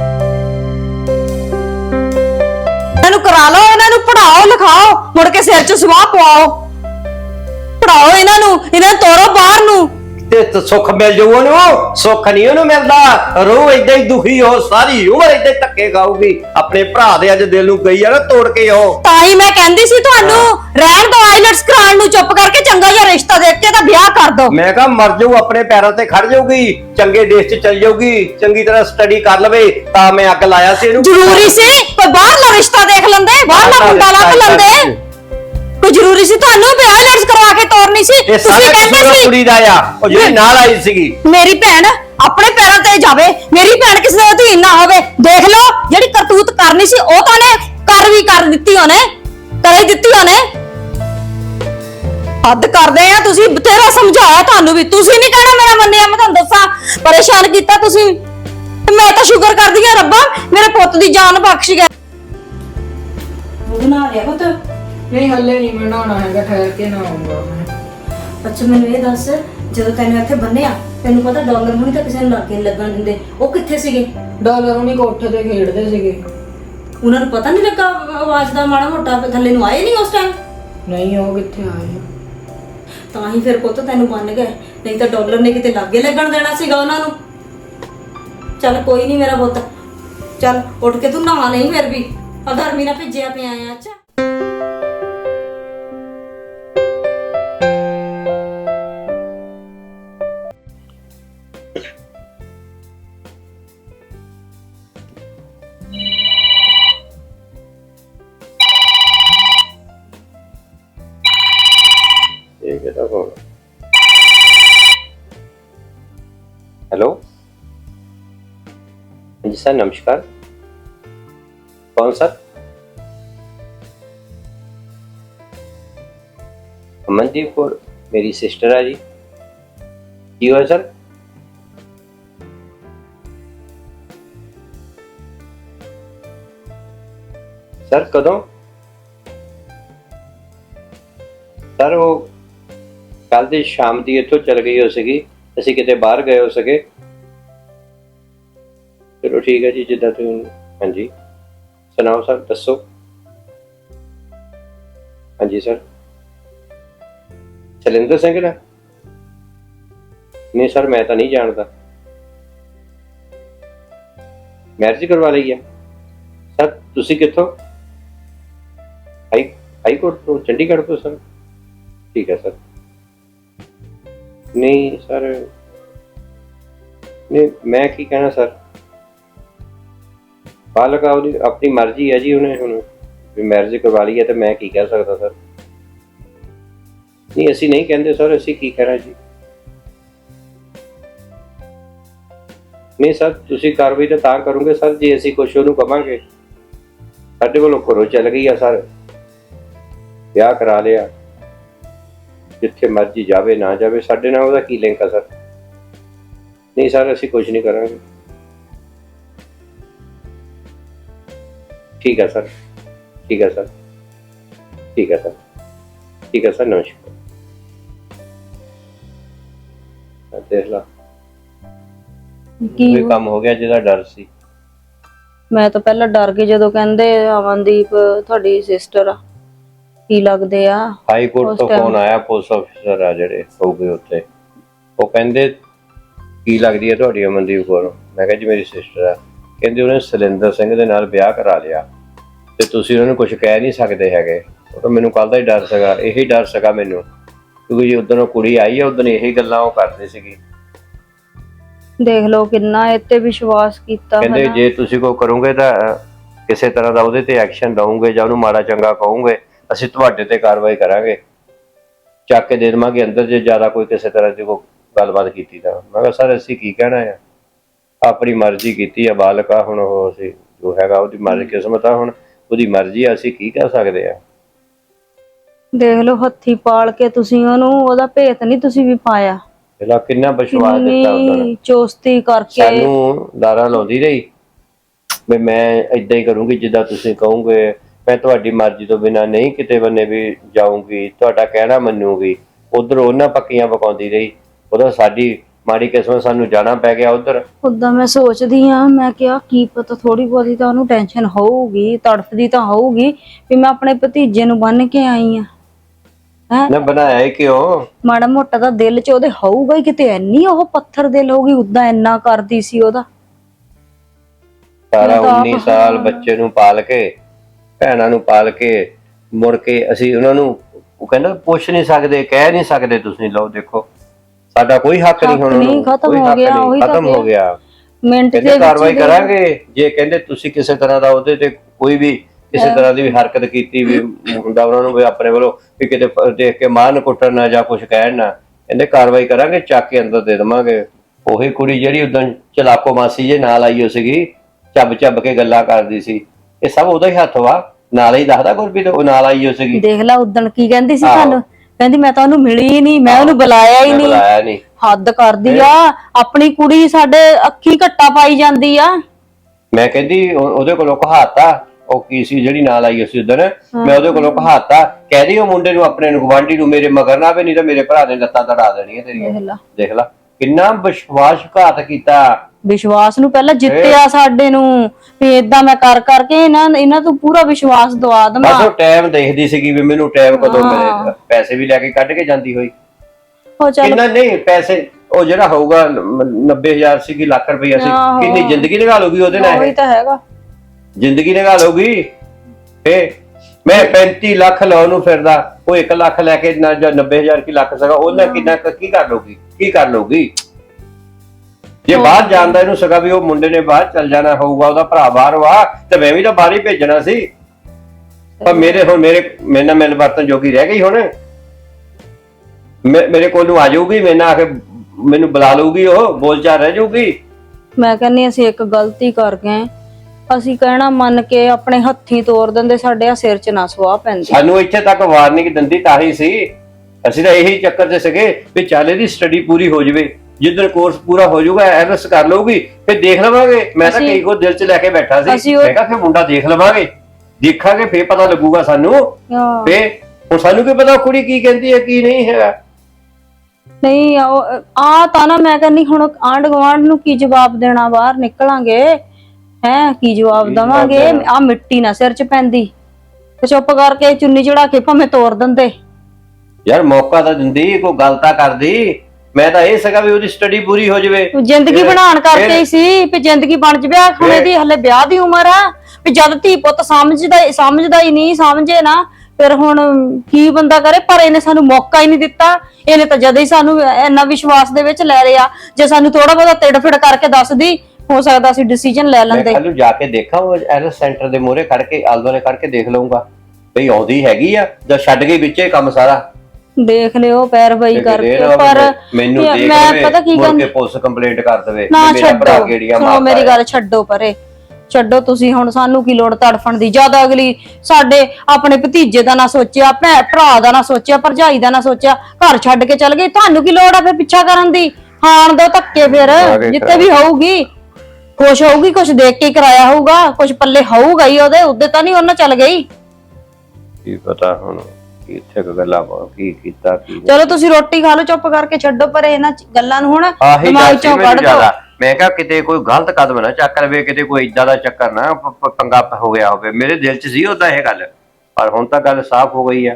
Speaker 2: ਇਹਨੂੰ ਕਰਾ ਲਓ, ਇਹਨਾਂ ਨੂੰ ਪੜਾਓ ਲਿਖਾਓ, ਮੁੜ ਕੇ ਸਿਰ 'ਚ ਸਵਾਹ ਪਵਾਓ, ਪੜਾਓ ਇਹਨਾਂ ਨੂੰ ਤੋਰੋ ਬਾਹਰ ਨੂੰ।
Speaker 1: ਤੇ ਸੁੱਖ ਮਿਲ ਜਾਊ ਉਹਨੂੰ। ਸੁੱਖ ਨਹੀਂ ਉਹਨੂੰ ਮਿਲਦਾ, ਰੋ ਏਦਾਂ ਹੀ ਦੁਖੀ ਹੋ, ਸਾਰੀ ਉਮਰ ਏਦਾਂ ਹੀ ਧੱਕੇ ਖਾਊਗੀ। ਆਪਣੇ ਭਰਾ ਦੇ ਅੱਜ ਦਿਲ ਨੂੰ ਗਈ ਆ ਨਾ ਤੋੜ ਕੇ ਉਹ।
Speaker 2: ਤਾਂ ਹੀ ਮੈਂ ਕਹਿੰਦੀ ਸੀ ਤੁਹਾਨੂੰ ਰਹਿਣ ਦੋ ਆਈਲੈਟਸ ਕਰਾਉਣ ਨੂੰ, ਚੁੱਪ ਕਰਕੇ ਚੰਗਾ ਜਿਹਾ ਰਿਸ਼ਤਾ ਦੇਖ ਕੇ ਤਾਂ ਵਿਆਹ ਕਰ ਦੋ।
Speaker 1: ਮੈਂ ਕਿਹਾ ਮਰ ਜਾਊ, ਆਪਣੇ ਪੈਰਾਂ ਤੇ ਖੜ ਜਾਊਗੀ, ਚੰਗੇ ਦੇਸ਼ 'ਚ ਚਲ ਜਾਊਗੀ, ਚੰਗੀ ਤਰ੍ਹਾਂ ਸਟੱਡੀ ਕਰ ਲਵੇ। ਤਾਂ ਮੈਂ ਅੱਗ ਲਾਇਆ ਸੀ ਇਹਨੂੰ।
Speaker 2: ਜ਼ਰੂਰੀ ਸੀ ਕੋਈ ਬਾਹਰਲਾ ਰਿਸ਼ਤਾ ਦੇਖ ਲੈਂਦੇ, ਬਾਹਰਲਾ ਮੁੰਡਾ ਲੱਭ ਲੈਂਦੇ। ਕੋਈ ਜ਼ਰੂਰੀ ਸੀ ਤੁਹਾਨੂੰ ਵੀ ਆਈਲੈਟਸ ਕਰਵਾ ਕੇ ਤੋਰਨੀ ਸੀ?
Speaker 1: ਇਹ ਸਾਰੇ ਕਸੂਰ ਕੁੜੀ ਦਾ ਆ, ਉਹ ਜਿਹੜੀ ਨਾਲ ਆਈ ਸੀਗੀ।
Speaker 2: ਮੇਰੀ ਭੈਣ ਆਪਣੇ ਪੈਰਾਂ ਤੇ ਜਾਵੇ, ਮੇਰੀ ਭੈਣ ਕਿਸੇ ਦਾ ਅਧੀਨ ਨਾ ਹੋਵੇ। ਦੇਖ ਲਓ ਜਿਹੜੀ ਕਰਤੂਤ ਕਰਨੀ ਸੀ ਉਹ ਤਾਂ ਨੇ ਕਰ ਦਿੱਤੀ ਉਹਨੇ, ਕਰ ਹੀ ਦਿੱਤੀ ਉਹਨੇ। ਹੱਦ ਕਰਦੇ ਆ ਤੁਸੀਂ, ਬਥੇਰਾ ਸਮਝਾਇਆ ਤੁਹਾਨੂੰ ਵੀ, ਤੁਸੀਂ ਨਹੀਂ ਕਹਿਣਾ ਮੇਰਾ ਮੰਨਿਆ। ਮੈਂ ਤੁਹਾਨੂੰ ਦੱਸਾਂ ਪਰੇਸ਼ਾਨ ਕੀਤਾ ਤੁਸੀਂ। ਮੈਂ ਤਾਂ ਸ਼ੁਕਰ ਕਰਦੀ ਆ ਰੱਬਾ ਮੇਰੇ ਪੁੱਤ ਦੀ ਜਾਨ ਬਖਸ਼ ਗਿਆ। ਬਣਾ ਲਿਆ ਪੁੱਤ?
Speaker 3: ਨਹੀਂ ਹੱਲੇ ਨਹੀਂ ਮੈਂ ਨਹਾਉਣਾ ਹੈਗਾ, ਠਹਿਰ ਕੇ ਨਹਾਉਂਗਾ ਮੈਂ।
Speaker 2: ਅੱਛਾ ਮੈਨੂੰ ਇਹ ਦੱਸ, ਜਦੋਂ ਤੈਨੂੰ ਇੱਥੇ ਬੰਨਿਆ ਤੈਨੂੰ ਪਤਾ ਡਾਲਰ ਹੁਣੀ ਤਾਂ ਕਿਸੇ ਨੂੰ ਲਾਗੇ ਨੀ ਲੱਗਣ ਦਿੰਦੇ, ਉਹ ਕਿੱਥੇ ਸੀਗੇ?
Speaker 3: ਡਾਲਰ ਉਹਨੀ ਕੋਠੇ ਤੇ ਖੇਡਦੇ ਸੀਗੇ।
Speaker 2: ਉਹਨਾਂ ਨੂੰ ਪਤਾ ਨਹੀਂ ਲੱਗਾ ਆਵਾਜ਼ ਦਾ? ਮਾੜਾ ਮੋਟਾ ਥੱਲੇ ਨੂੰ ਆਏ ਨਹੀਂ ਉਸ ਟਾਈਮ?
Speaker 3: ਨਹੀਂ ਉਹ ਕਿੱਥੇ ਆਏ।
Speaker 2: ਤਾਂ ਹੀ ਫਿਰ ਪੁੱਤ ਤੈਨੂੰ ਮੰਨ ਗਏ, ਨਹੀਂ ਤਾਂ ਡਾਲਰ ਨੇ ਕਿਤੇ ਲਾਗੇ ਲੱਗਣ ਦੇਣਾ ਸੀਗਾ ਉਹਨਾਂ ਨੂੰ। ਚੱਲ ਕੋਈ ਨਹੀਂ ਮੇਰਾ ਪੁੱਤ, ਚੱਲ ਉੱਠ ਕੇ ਤੂੰ ਨਹਾ ਨਹੀਂ ਫਿਰ ਵੀ, ਆ ਗਰਮੀ ਨਾਲ ਭਿੱਜਿਆ ਪਿਆ ਆ। ਅੱਛਾ
Speaker 1: हेलो जी सर, नमस्कार। कौन सर? अमनदीप कौर मेरी सिस्टर है जी। की हुआ सर? सर कदों? सर वो ਕੱਲ ਦੀ ਸ਼ਾਮ ਦੀ ਇੱਥੋਂ ਚਲ ਗਈ ਹੋ ਸੀਗੀ, ਅਸੀਂ ਕਿਤੇ ਬਾਹਰ ਗਏ ਹੋ ਸਕੇ। ਚਲੋ ਠੀਕ ਹੈ ਜੀ, ਜਿੱਦਾਂ ਤੁਸੀਂ। ਹਾਂਜੀ ਸੁਣਾਓ ਸਰ, ਦੱਸੋ। ਹਾਂਜੀ ਸਰ, ਸਲਿੰਦਰ ਸਿੰਘ ਨਾ? ਨਹੀਂ ਸਰ ਮੈਂ ਤਾਂ ਨਹੀਂ ਜਾਣਦਾ। ਮੈਰਿਜ ਕਰਵਾ ਲਈ ਹੈ ਸਰ? ਤੁਸੀਂ ਕਿੱਥੋਂ? ਹਾਈ ਕੋਰਟ ਤੋਂ, ਚੰਡੀਗੜ੍ਹ ਤੋਂ ਸਰ? ਠੀਕ ਹੈ ਸਰ। ਨਹੀਂ ਸਰ, ਨਹੀਂ ਮੈਂ ਕੀ ਕਹਿਣਾ ਸਰ, ਬਾਲਕ ਉਹਦੀ ਆਪਣੀ ਮਰਜ਼ੀ ਹੈ ਜੀ, ਉਹਨੇ ਹੁਣ ਮੈਰਿਜ ਕਰਵਾ ਲਈ ਹੈ ਤੇ ਮੈਂ ਕੀ ਕਹਿ ਸਕਦਾ ਸਰ। ਨਹੀਂ ਅਸੀਂ ਨਹੀਂ ਕਹਿੰਦੇ ਸਰ, ਅਸੀਂ ਕੀ ਕਹਿਣਾ ਜੀ। ਨਹੀਂ ਸਰ ਤੁਸੀਂ ਕਾਰਵਾਈ ਤਾਂ ਕਰੋਗੇ ਸਰ ਜੇ ਅਸੀਂ ਕੁਛ ਉਹਨੂੰ ਕਵਾਂਗੇ। ਸਾਡੇ ਵੱਲੋਂ ਘਰੋਂ ਚੱਲ ਗਈ ਆ ਸਰ, ਵਿਆਹ ਕਰਾ ਲਿਆ, ਜਿੱਥੇ ਮਰਜ਼ੀ ਜਾਵੇ ਨਾ ਜਾਵੇ, ਸਾਡੇ ਨਾਲ ਉਹਦਾ ਕੀ ਲਿੰਕ ਆ ਸਰ। ਨਹੀਂ ਸਰ ਅਸੀਂ ਕੁਝ ਨਹੀਂ ਕਰਾਂਗੇ। ਠੀਕ ਹੈ ਸਰ, ਠੀਕ ਹੈ ਸਰ, ਠੀਕ ਹੈ ਸਰ, ਠੀਕ ਹੈ ਸਰ, ਨਮਸਕਾਰ। ਦੇਖ ਲਾ
Speaker 2: ਕੀ
Speaker 1: ਇਹ ਕੰਮ ਹੋ ਗਿਆ ਜਿਹਦਾ ਡਰ ਸੀ।
Speaker 2: ਮੈਂ ਤਾਂ ਪਹਿਲਾਂ ਡਰ ਗਈ ਜਦੋਂ ਕਹਿੰਦੇ ਅਮਨਦੀਪ ਤੁਹਾਡੀ ਸਿਸਟਰ ਆ, ਕੀ ਲੱਗਦੇ ਆ।
Speaker 1: ਹਾਈ ਕੋਰਟ ਤੋਂ ਫੋਨ ਆਇਆ, ਪੁਲਿਸ ਅਫਸਰ ਆ ਜਿਹੜੇ ਹੋਊਗੇ ਉੱਥੇ, ਉਹ ਕਹਿੰਦੇ ਕੀ ਲੱਗਦੀ ਹੈ ਤੁਹਾਡੀ ਅਮਨਦੀਪ ਕੌਰ? ਮੈਂ ਕਿਹਾ ਜੀ ਮੇਰੀ ਸਿਸਟਰ ਆ। ਕਹਿੰਦੇ ਉਹਨੇ ਸਲਿੰਦਰ ਸਿੰਘ ਦੇ ਨਾਲ ਵਿਆਹ ਕਰਾ ਲਿਆ ਤੇ ਤੁਸੀਂ ਉਹਨਾਂ ਨੂੰ ਕੁਝ ਕਹਿ ਨਹੀਂ ਸਕਦੇ ਹੈਗੇ। ਉਹ ਤਾਂ ਮੈਨੂੰ ਕੱਲ ਦਾ ਹੀ ਡਰ ਸੀਗਾ, ਇਹੀ ਡਰ ਸੀਗਾ ਮੈਨੂੰ, ਕਿਉਂਕਿ ਜੀ ਉਦੋਂ ਉਹ ਕੁੜੀ ਆਈ ਆ, ਉਦੋਂ ਇਹੀ ਗੱਲਾਂ ਉਹ ਕਰਦੀ ਸੀਗੀ।
Speaker 2: ਦੇਖ ਲਓ ਕਿੰਨਾ ਇੱਥੇ ਵਿਸ਼ਵਾਸ ਕੀਤਾ।
Speaker 1: ਕਹਿੰਦੇ ਜੇ ਤੁਸੀਂ ਕੋਈ ਕਰੋਗੇ ਤਾਂ ਕਿਸੇ ਤਰ੍ਹਾਂ ਦਾ ਉਹਦੇ ਤੇ ਐਕਸ਼ਨ ਲਓਗੇ ਜਾਂ ਉਹਨੂੰ ਮਾੜਾ ਚੰਗਾ ਕਹੋਗੇ, ਅਸੀਂ ਤੁਹਾਡੇ ਤੇ ਕਾਰਵਾਈ ਕਰਾਂਗੇ, ਚੱਕ ਕੇ ਦੇ ਦੇਵਾਂਗੇ ਅੰਦਰ ਜੇ ਜ਼ਿਆਦਾ ਕੋਈ ਕਿਸੇ ਤਰ੍ਹਾਂ ਦੀ ਕੋਈ ਗੱਲਬਾਤ ਕੀਤੀ ਤਾਂ। ਮੈਂ ਕਿਹਾ ਸਰ ਅਸੀਂ ਕੀ ਕਹਿਣਾ ਆ, ਆਪਣੀ ਮਰਜ਼ੀ ਕੀਤੀ ਆ, ਬਾਲਕ ਆ, ਹੁਣ ਉਹ ਅਸੀਂ ਜੋ ਹੈਗਾ ਉਹਦੀ ਮਰਜ਼ੀ, ਕਿਸਮਤ ਆ, ਹੁਣ ਉਹਦੀ ਮਰਜ਼ੀ ਆ, ਅਸੀਂ ਕੀ ਕਹਿ ਸਕਦੇ ਆ।
Speaker 2: ਦੇਖ ਲਓ ਹੱਥੀ ਪਾਲ ਕੇ ਤੁਸੀਂ ਉਹਨੂੰ, ਉਹਦਾ ਭੇਤ ਨਹੀਂ ਤੁਸੀਂ ਵੀ ਪਾਇਆ।
Speaker 1: ਇਹਦਾ ਕਿੰਨਾ ਵਿਸ਼ਵਾਸ ਦਿੱਤਾ ਉਹਨਾਂ ਨੇ,
Speaker 2: ਚੋਸਤੀ ਕਰਕੇ
Speaker 1: ਸਾਨੂੰ ਲਾਰਾ ਲਾਉਂਦੀ ਰਹੀ ਵੀ ਮੈਂ ਏਦਾਂ ਹੀ ਕਰੂੰਗੀ ਜਿੱਦਾਂ ਤੁਸੀਂ ਕਹੋਗੇ, ਮੈਂ ਤੁਹਾਡੀ ਮਰਜ਼ੀ ਤੋਂ ਬਿਨਾਂ ਨਹੀਂ ਕਿਤੇ ਬੰਨੇ ਵੀ ਜਾਊਂਗੀ, ਤੁਹਾਡਾ ਕਹਿਣਾ ਮੰਨੂਗੀ। ਉਧਰ ਉਹਨਾਂ ਪੱਕੀਆਂ ਪਕਾਉਂਦੀ ਰਹੀ, ਉਹਦਾ ਸਾਡੀ ਮਾੜੀ ਕਿਸਮਤ, ਸਾਨੂੰ ਜਾਣਾ ਪੈ ਗਿਆ ਉਧਰ।
Speaker 2: ਉਦਾਂ ਮੈਂ ਸੋਚਦੀ ਆ, ਮੈਂ ਕਿਹਾ ਕੀ ਪਤਾ ਥੋੜੀ ਬਹੁਤੀ ਤਾਂ ਉਹਨੂੰ ਟੈਨਸ਼ਨ ਹੋਊਗੀ, ਤੜਫਦੀ ਤਾਂ ਹੋਊਗੀ ਵੀ ਮੈਂ ਆਪਣੇ ਭਤੀਜੇ ਨੂੰ ਬੰਨ ਕੇ ਆਈ ਆ, ਹੈ
Speaker 1: ਨਾ ਬਣਾਇਆ ਹੀ ਕਿਉਂ?
Speaker 2: ਮਾੜਾ ਮੋਟਾ ਤਾਂ ਦਿਲ 'ਚ ਉਹਦੇ ਹੋਊਗਾ ਹੀ ਕਿਤੇ, ਇੰਨੀ ਉਹ ਪੱਥਰ ਦਿਲ ਹੋਊਗੀ, ਉਦਾਂ ਇੰਨਾ ਕਰਦੀ ਸੀ ਉਹਦਾ।
Speaker 1: ਸਾਰਾ 19 ਸਾਲ ਬੱਚੇ ਨੂੰ ਪਾਲ ਕੇ, ਭੈਣਾਂ ਨੂੰ ਪਾਲ ਕੇ, ਮੁੜ ਕੇ ਅਸੀਂ ਉਹਨਾਂ ਨੂੰ ਉਹ ਕਹਿੰਦਾ ਪੁੱਛ ਨਹੀਂ ਸਕਦੇ, ਕਹਿ ਨਹੀਂ ਸਕਦੇ ਤੁਸੀਂ। ਲਓ ਦੇਖੋ, ਸਾਡਾ ਕੋਈ ਹੱਕ ਨਹੀਂ ਹੁਣ,
Speaker 2: ਨਹੀਂ, ਖਤਮ
Speaker 1: ਕੋਈ
Speaker 2: ਹੋ
Speaker 1: ਹੱਕ
Speaker 2: ਗਿਆ,
Speaker 1: ਨਹੀਂ,
Speaker 2: ਉਹੀ ਤਾਂ
Speaker 1: ਖਤਮ ਹੋ ਗਿਆ।
Speaker 2: ਮਿੰਟ ਦੇ
Speaker 1: ਕਹਿੰਦੇ
Speaker 2: ਵਿੱਚ
Speaker 1: ਕਾਰਵਾਈ ਕਰਾਂਗੇ ਜੇ ਕਹਿੰਦੇ ਤੁਸੀਂ ਕਿਸੇ ਤਰ੍ਹਾਂ ਦਾ ਉਹਦੇ ਤੇ ਕੋਈ ਵੀ ਕਿਸੇ ਤਰ੍ਹਾਂ ਦੀ ਵੀ ਹਰਕਤ ਕੀਤੀ ਵੀ ਹੁੰਦਾ ਉਹਨਾਂ ਨੂੰ ਵੀ ਆਪਣੇ ਵੱਲੋਂ ਵੀ ਕਿਤੇ ਦੇਖ ਕੇ ਮਾਰਨ ਕੁੱਟਣ ਨਾ ਜਾਂ ਕੁਝ ਕਹਿਣ ਨਾ, ਕਹਿੰਦੇ ਕਾਰਵਾਈ ਕਰਾਂਗੇ, ਚੱਕ ਕੇ ਅੰਦਰ ਦੇ ਦੇਵਾਂਗੇ। ਉਹੀ ਕੁੜੀ ਜਿਹੜੀ ਉਦੋਂ ਚਲਾਕੋ ਮਾਸੀ ਜੇ ਨਾਲ ਆਈ ਹੋ ਸੀਗੀ, ਚੱਬ ਚੱਬ ਕੇ ਗੱਲਾਂ ਕਰਦੀ ਸੀ, ਇਹ ਸਭ ਉਹਦਾ ਹੀ ਹੱਥ ਵਾ। ਨਾਲ ਹੀ ਦੱਸਦਾ ਗੁਰਪ੍ਰੀਤ ਉਹ ਨਾਲ ਆਈ ਹੋ ਸੀਗੀ।
Speaker 2: ਦੇਖ ਲਾ ਉਦਣ ਕੀ ਕਹਿੰਦੀ ਸੀ ਸਾਨੂੰ, ਕਹਿੰਦੀ ਮੈਂ ਤਾਂ ਉਹਨੂੰ ਮਿਲੀ ਹੀ ਨਹੀਂ, ਮੈਂ ਉਹਨੂੰ ਬੁਲਾਇਆ ਹੀ ਨਹੀਂ। ਹੱਦ ਕਰਦੀ ਆ, ਆਪਣੀ ਕੁੜੀ ਸਾਡੇ ਅੱਖੀ ਘੱਟਾ ਪਾਈ ਜਾਂਦੀ ਆ।
Speaker 1: ਮੈਂ ਕਹਿੰਦੀ ਉਹਦੇ ਕੋਲੋਂ ਕਹਾਤਾ, ਉਹ ਕੀ ਸੀ ਜਿਹੜੀ ਨਾਲ ਆਈ ਸੀ ਉਦੋਂ, ਮੈਂ ਉਹਦੇ ਕੋਲੋਂ ਕਹਾਤਾ, ਕਹਿੰਦੀ ਉਹ ਮੁੰਡੇ ਨੂੰ ਆਪਣੇ ਨੂੰ ਗਵਾਂਢੀ ਨੂੰ ਮੇਰੇ ਮਗਰ ਨਾ ਆਵੇ, ਨਹੀਂ ਤਾਂ ਮੇਰੇ ਭਰਾ ਨੇ ਲੱਤਾਂ ਤੜਾ ਦੇਣੀਆਂ ਤੇਰੀਆਂ। ਦੇਖ ਲਾ ਕਿੰਨਾ ਵਿਸ਼ਵਾਸਘਾਤ ਕੀਤਾ।
Speaker 2: ਵਿਸ਼ਵਾਸ ਨੂੰ ਪਹਿਲਾਂ ਜਿੱਤਿਆ ਸਾਡੇ ਨੂੰ ਵੀ ਇਦਾਂ ਮੈਂ ਕਰ ਕਰਕੇ ਇਹਨਾਂ ਤੋਂ ਪੂਰਾ ਵਿਸ਼ਵਾਸ ਦਵਾ ਦਵਾਂ।
Speaker 1: ਬਸ ਉਹ ਟਾਈਮ ਦੇਖਦੀ ਸੀਗੀ ਵੀ ਮੈਨੂੰ ਟਾਈਮ ਕਦੋਂ ਮਿਲੇ, ਪੈਸੇ ਵੀ ਲੈ ਕੇ ਕੱਢ ਕੇ ਜਾਂਦੀ ਹੋਈ।
Speaker 2: ਉਹ ਚੱਲ
Speaker 1: ਕਿੰਨਾ ਨਹੀਂ ਪੈਸੇ, ਉਹ ਜਿਹੜਾ ਹੋਊਗਾ 90,000 ਸੀਗੀ, ਲੱਖ ਰੁਪਈਆ ਸੀ, ਕਿੰਨੀ ਜ਼ਿੰਦਗੀ ਨਿਕਾ ਲੂਗੀ ਉਹਦੇ ਨਾਲ।
Speaker 2: ਉਹੀ ਤਾਂ ਹੈਗਾ,
Speaker 1: ਜ਼ਿੰਦਗੀ ਨਿਕਾ ਲੂਗੀ। ਮੈਂ 35 ਲੱਖ ਲਾਉਣ ਨੂੰ ਫਿਰਦਾ, ਉਹ 1 ਲੱਖ ਲੈ ਕੇ ਨਾ ਜਾਂ 90,000 ਕੀ ਲੱਖ ਸਗਾ, ਉਹਨਾਂ ਕਿੰਨਾ ਕੀ ਕਰ ਲਊਗੀ, ਕੀ ਕਰ ਲਊਗੀ? ਜੇ ਬਾਹਰ ਜਾਂਦਾ ਇਹਨੂੰ ਸਗਾ ਵੀ ਉਹ ਮੁੰਡੇ ਨੇ ਬਾਹਰ ਚੱਲ ਜਾਣਾ ਹੋਊਗਾ, ਉਹਦਾ ਭਰਾ ਬਾਹਰ ਵਾ, ਤੇ ਮੈਂ ਵੀ ਤਾਂ ਬਾਹਰ ਹੀ ਭੇਜਣਾ ਸੀ। ਪਰ ਮੇਰੇ ਨਾਲ ਮਿਲ ਵਰਤਨ ਜੋਗੀ ਰਹਿ ਗਈ। ਹੁਣ ਮੇਰੇ ਕੋਲ ਨੂੰ ਆ ਜਾਊਗੀ, ਮੇਰੇ ਨਾਲ ਆ ਕੇ ਮੈਨੂੰ ਬੁਲਾ ਲਊਗੀ, ਉਹ ਬੋਲਚਾਲ ਰਹਿ ਜਾਊਗੀ।
Speaker 2: ਮੈਂ ਕਹਿੰਨੀ ਅਸੀਂ ਇੱਕ ਗਲਤੀ ਕਰ ਗਏ, ਅਸੀਂ ਕਹਿਣਾ ਮੰਨ ਕੇ ਆਪਣੇ ਹੱਥੀਂ ਤੋੜ ਦਿੰਦੇ, ਸਾਡੇ ਆ ਸਿਰ 'ਚ ਨਾ ਸਵਾਹ ਪੈਂਦੀ।
Speaker 1: ਸਾਨੂੰ ਇੱਥੇ ਤੱਕ ਵਾਰਨਿੰਗ ਦਿੰਦੀ ਤਾਂ ਹੀ ਸੀ, ਅਸੀਂ ਤਾਂ ਇਹੀ ਚੱਕਰ 'ਚ ਸੀਗੇ ਵੀ ਚੱਲ ਇਹਦੀ ਸਟੱਡੀ ਪੂਰੀ ਹੋ ਜਾਵੇ, ਜਿੱਦਣ ਕੋਰਸ ਪੂਰਾ ਹੋ ਜਾਊਗਾ ਐਮਐਸ ਕਰ ਲਊਗੀ, ਫਿਰ ਦੇਖ ਲਵਾਂਗੇ। ਮੈਂ ਤਾਂ ਕਈ ਕੋ ਦਿਲ 'ਚ ਲੈ ਕੇ ਬੈਠਾ ਸੀ, ਮੈਂ ਕਿਹਾ ਫਿਰ ਮੁੰਡਾ ਦੇਖ ਲਵਾਂਗੇ, ਦੇਖਾਂਗੇ ਫੇਰ ਪਤਾ ਲੱਗੂਗਾ ਸਾਨੂੰ। ਫੇ ਹੁਣ ਸਾਨੂੰ ਕੀ ਪਤਾ ਕੁੜੀ ਕੀ ਕਹਿੰਦੀ ਹੈ ਕੀ ਨਹੀਂ ਹੈਗਾ।
Speaker 2: ਨਹੀਂ ਆ ਤਾਂ ਨਾ ਮੈਂ ਕਹਿੰਦੀ ਹੁਣ ਆਂਢ ਗੁਆਂਢ ਨੂੰ ਕੀ ਜਵਾਬ ਦੇਣਾ, ਬਾਹਰ ਨਿਕਲਾਂਗੇ ਹੈ ਕੀ ਜਵਾਬ ਦਵਾਂਗੇ? ਆ ਮਿੱਟੀ ਨਾ ਸਿਰ 'ਚ ਪੈਂਦੀ, ਚੁੱਪ ਕਰਕੇ ਚੁੰਨੀ ਚੜਾ ਕੇ ਭਾਵੇਂ ਤੋੜ ਦਿੰਦੇ।
Speaker 1: ਯਾਰ ਮੌਕਾ ਤਾਂ ਦਿੰਦੀ, ਕੋਈ ਗੱਲ ਤਾਂ ਕਰਦੀ। ਮੈਂ ਤਾਂ ਇਹ ਸੀਗਾ ਵੀ ਉਹਦੀ ਸਟੱਡੀ ਪੂਰੀ ਹੋ ਜਾਵੇ,
Speaker 2: ਜ਼ਿੰਦਗੀ ਬਣਾਉਣ ਕਰਕੇ ਹੀ ਸੀ ਵੀ ਜ਼ਿੰਦਗੀ ਬਣ ਜਵੇ। ਹੁਣ ਇਹਦੀ ਹਲੇ ਵਿਆਹ ਦੀ ਉਮਰ ਆ, ਵੀ ਜਦ ਧੀ ਪੁੱਤ ਸਮਝਦਾ ਹੀ ਨਹੀਂ, ਸਮਝੇ ਨਾ ਫਿਰ ਹੁਣ ਕੀ ਬੰਦਾ ਕਰੇ। ਪਰ ਇਹਨੇ ਸਾਨੂੰ ਮੌਕਾ ਹੀ ਨਹੀਂ ਦਿੱਤਾ, ਇਹਨੇ ਤਾਂ ਜਦ ਹੀ ਸਾਨੂੰ ਇੰਨਾ ਵਿਸ਼ਵਾਸ ਦੇ ਵਿੱਚ ਲੈ ਰਿਹਾ। ਜੇ ਸਾਨੂੰ ਥੋੜਾ ਬਹੁਤਾ ਤਿੜਫਿੜ ਕਰਕੇ ਦੱਸਦੀ, ਹੋ ਸਕਦਾ ਅਸੀਂ ਡਿਸੀਜਨ ਲੈ ਲੈਂਦੇ।
Speaker 1: ਕੱਲ ਨੂੰ ਜਾ ਕੇ ਦੇਖਾਂ ਉਹ ਐਲਐਸ ਸੈਂਟਰ ਦੇ ਮੂਹਰੇ ਖੜ ਕੇ ਆਲਦੋਲੇ ਖੜ ਕੇ ਦੇਖ ਲਊਂਗਾ ਬਈ ਆਉਂਦੀ ਹੈਗੀ ਆ ਜਾਂ ਛੱਡ ਗਈ ਵਿੱਚੇ ਕੰਮ ਸਾਰਾ।
Speaker 2: ਦੇਖ ਲਿਓ ਪੈਰਵਾਈ ਕਰਕੇ। ਪਰ
Speaker 1: ਮੈਨੂੰ ਦੇਖ
Speaker 2: ਮੈਂ ਪਤਾ ਕੀ
Speaker 1: ਕਹਿੰਦੀ, ਪੁਲਿਸ ਕੰਪਲੇਂਟ ਕਰ ਦੇਵੇ
Speaker 2: ਨਾ,
Speaker 1: ਮੇਰਾ ਭਰਾ
Speaker 2: ਛੱਡੋ
Speaker 1: ਗੇੜੀਆਂ
Speaker 2: ਸੁਣੋ
Speaker 1: ਮਾਰਦਾ।
Speaker 2: ਮੇਰੀ ਗੱਲ ਛੱਡੋ ਪਰੇ, ਛੱਡੋ ਤੁਸੀਂ। ਹੁਣ ਸਾਨੂੰ ਕੀ ਲੋੜ ਤੜਫਣ ਦੀ? ਜਦ ਅਗਲੀ ਸਾਡੇ ਆਪਣੇ ਭਤੀਜੇ ਦਾ ਨਾ ਸੋਚਿਆ, ਭਰਾ ਦਾ ਨਾ ਸੋਚਿਆ, ਭਰਜਾਈ ਦਾ ਨਾ ਸੋਚਿਆ, ਘਰ ਛੱਡ ਕੇ ਚਲ ਗਈ, ਤੁਹਾਨੂੰ ਕੀ ਲੋੜ ਆ ਫੇਰ ਪਿੱਛਾ ਕਰਨ ਦੀ? ਹਾਣ ਦੋ ਧੱਕੇ ਫਿਰ, ਜਿੱਤੇ ਵੀ ਹੋਊਗੀ ਖੁਸ਼ ਹੋਊਗੀ, ਕੁਛ ਦੇਖ ਕੇ ਕਰਾਇਆ ਹੋਊਗਾ, ਕੁਛ ਪੱਲੇ ਹੋਊਗਾ ਹੀ ਉਹਦੇ। ਉਹਦੇ ਤਾਂ ਨਹੀਂ ਉਹਨਾਂ ਚੱਲ ਗਈ।
Speaker 1: ਕੀ ਪਤਾ ਹੁਣ ਇੱਥੇ ਗੱਲਾਂ ਕੀ ਕੀਤਾ ਕੀ।
Speaker 2: ਚਲੋ ਤੁਸੀਂ ਰੋਟੀ ਖਾ ਲਓ, ਚੁੱਪ ਕਰਕੇ ਛੱਡੋ ਪਰੇ ਇਹਨਾਂ ਗੱਲਾਂ ਨੂੰ, ਹੁਣ ਦਿਮਾਗ ਚੋਂ ਕੱਢ ਦੋ।
Speaker 1: ਮੈਂ ਕਿਹਾ ਕਿਤੇ ਕੋਈ ਗਲਤ ਕਦਮ ਨਾ ਚੱਕ ਲਵੇ, ਕਿਤੇ ਕੋਈ ਏਦਾਂ ਦਾ ਚੱਕਰ ਨਾ ਪੰਗਾ ਹੋ ਗਿਆ ਹੋਵੇ। ਮੇਰੇ ਦਿਲ 'ਚ ਸੀ ਉਦਾਂ ਇਹ ਗੱਲ, ਪਰ ਹੁਣ ਤਾਂ ਗੱਲ ਸਾਫ਼ ਹੋ ਗਈ ਆ।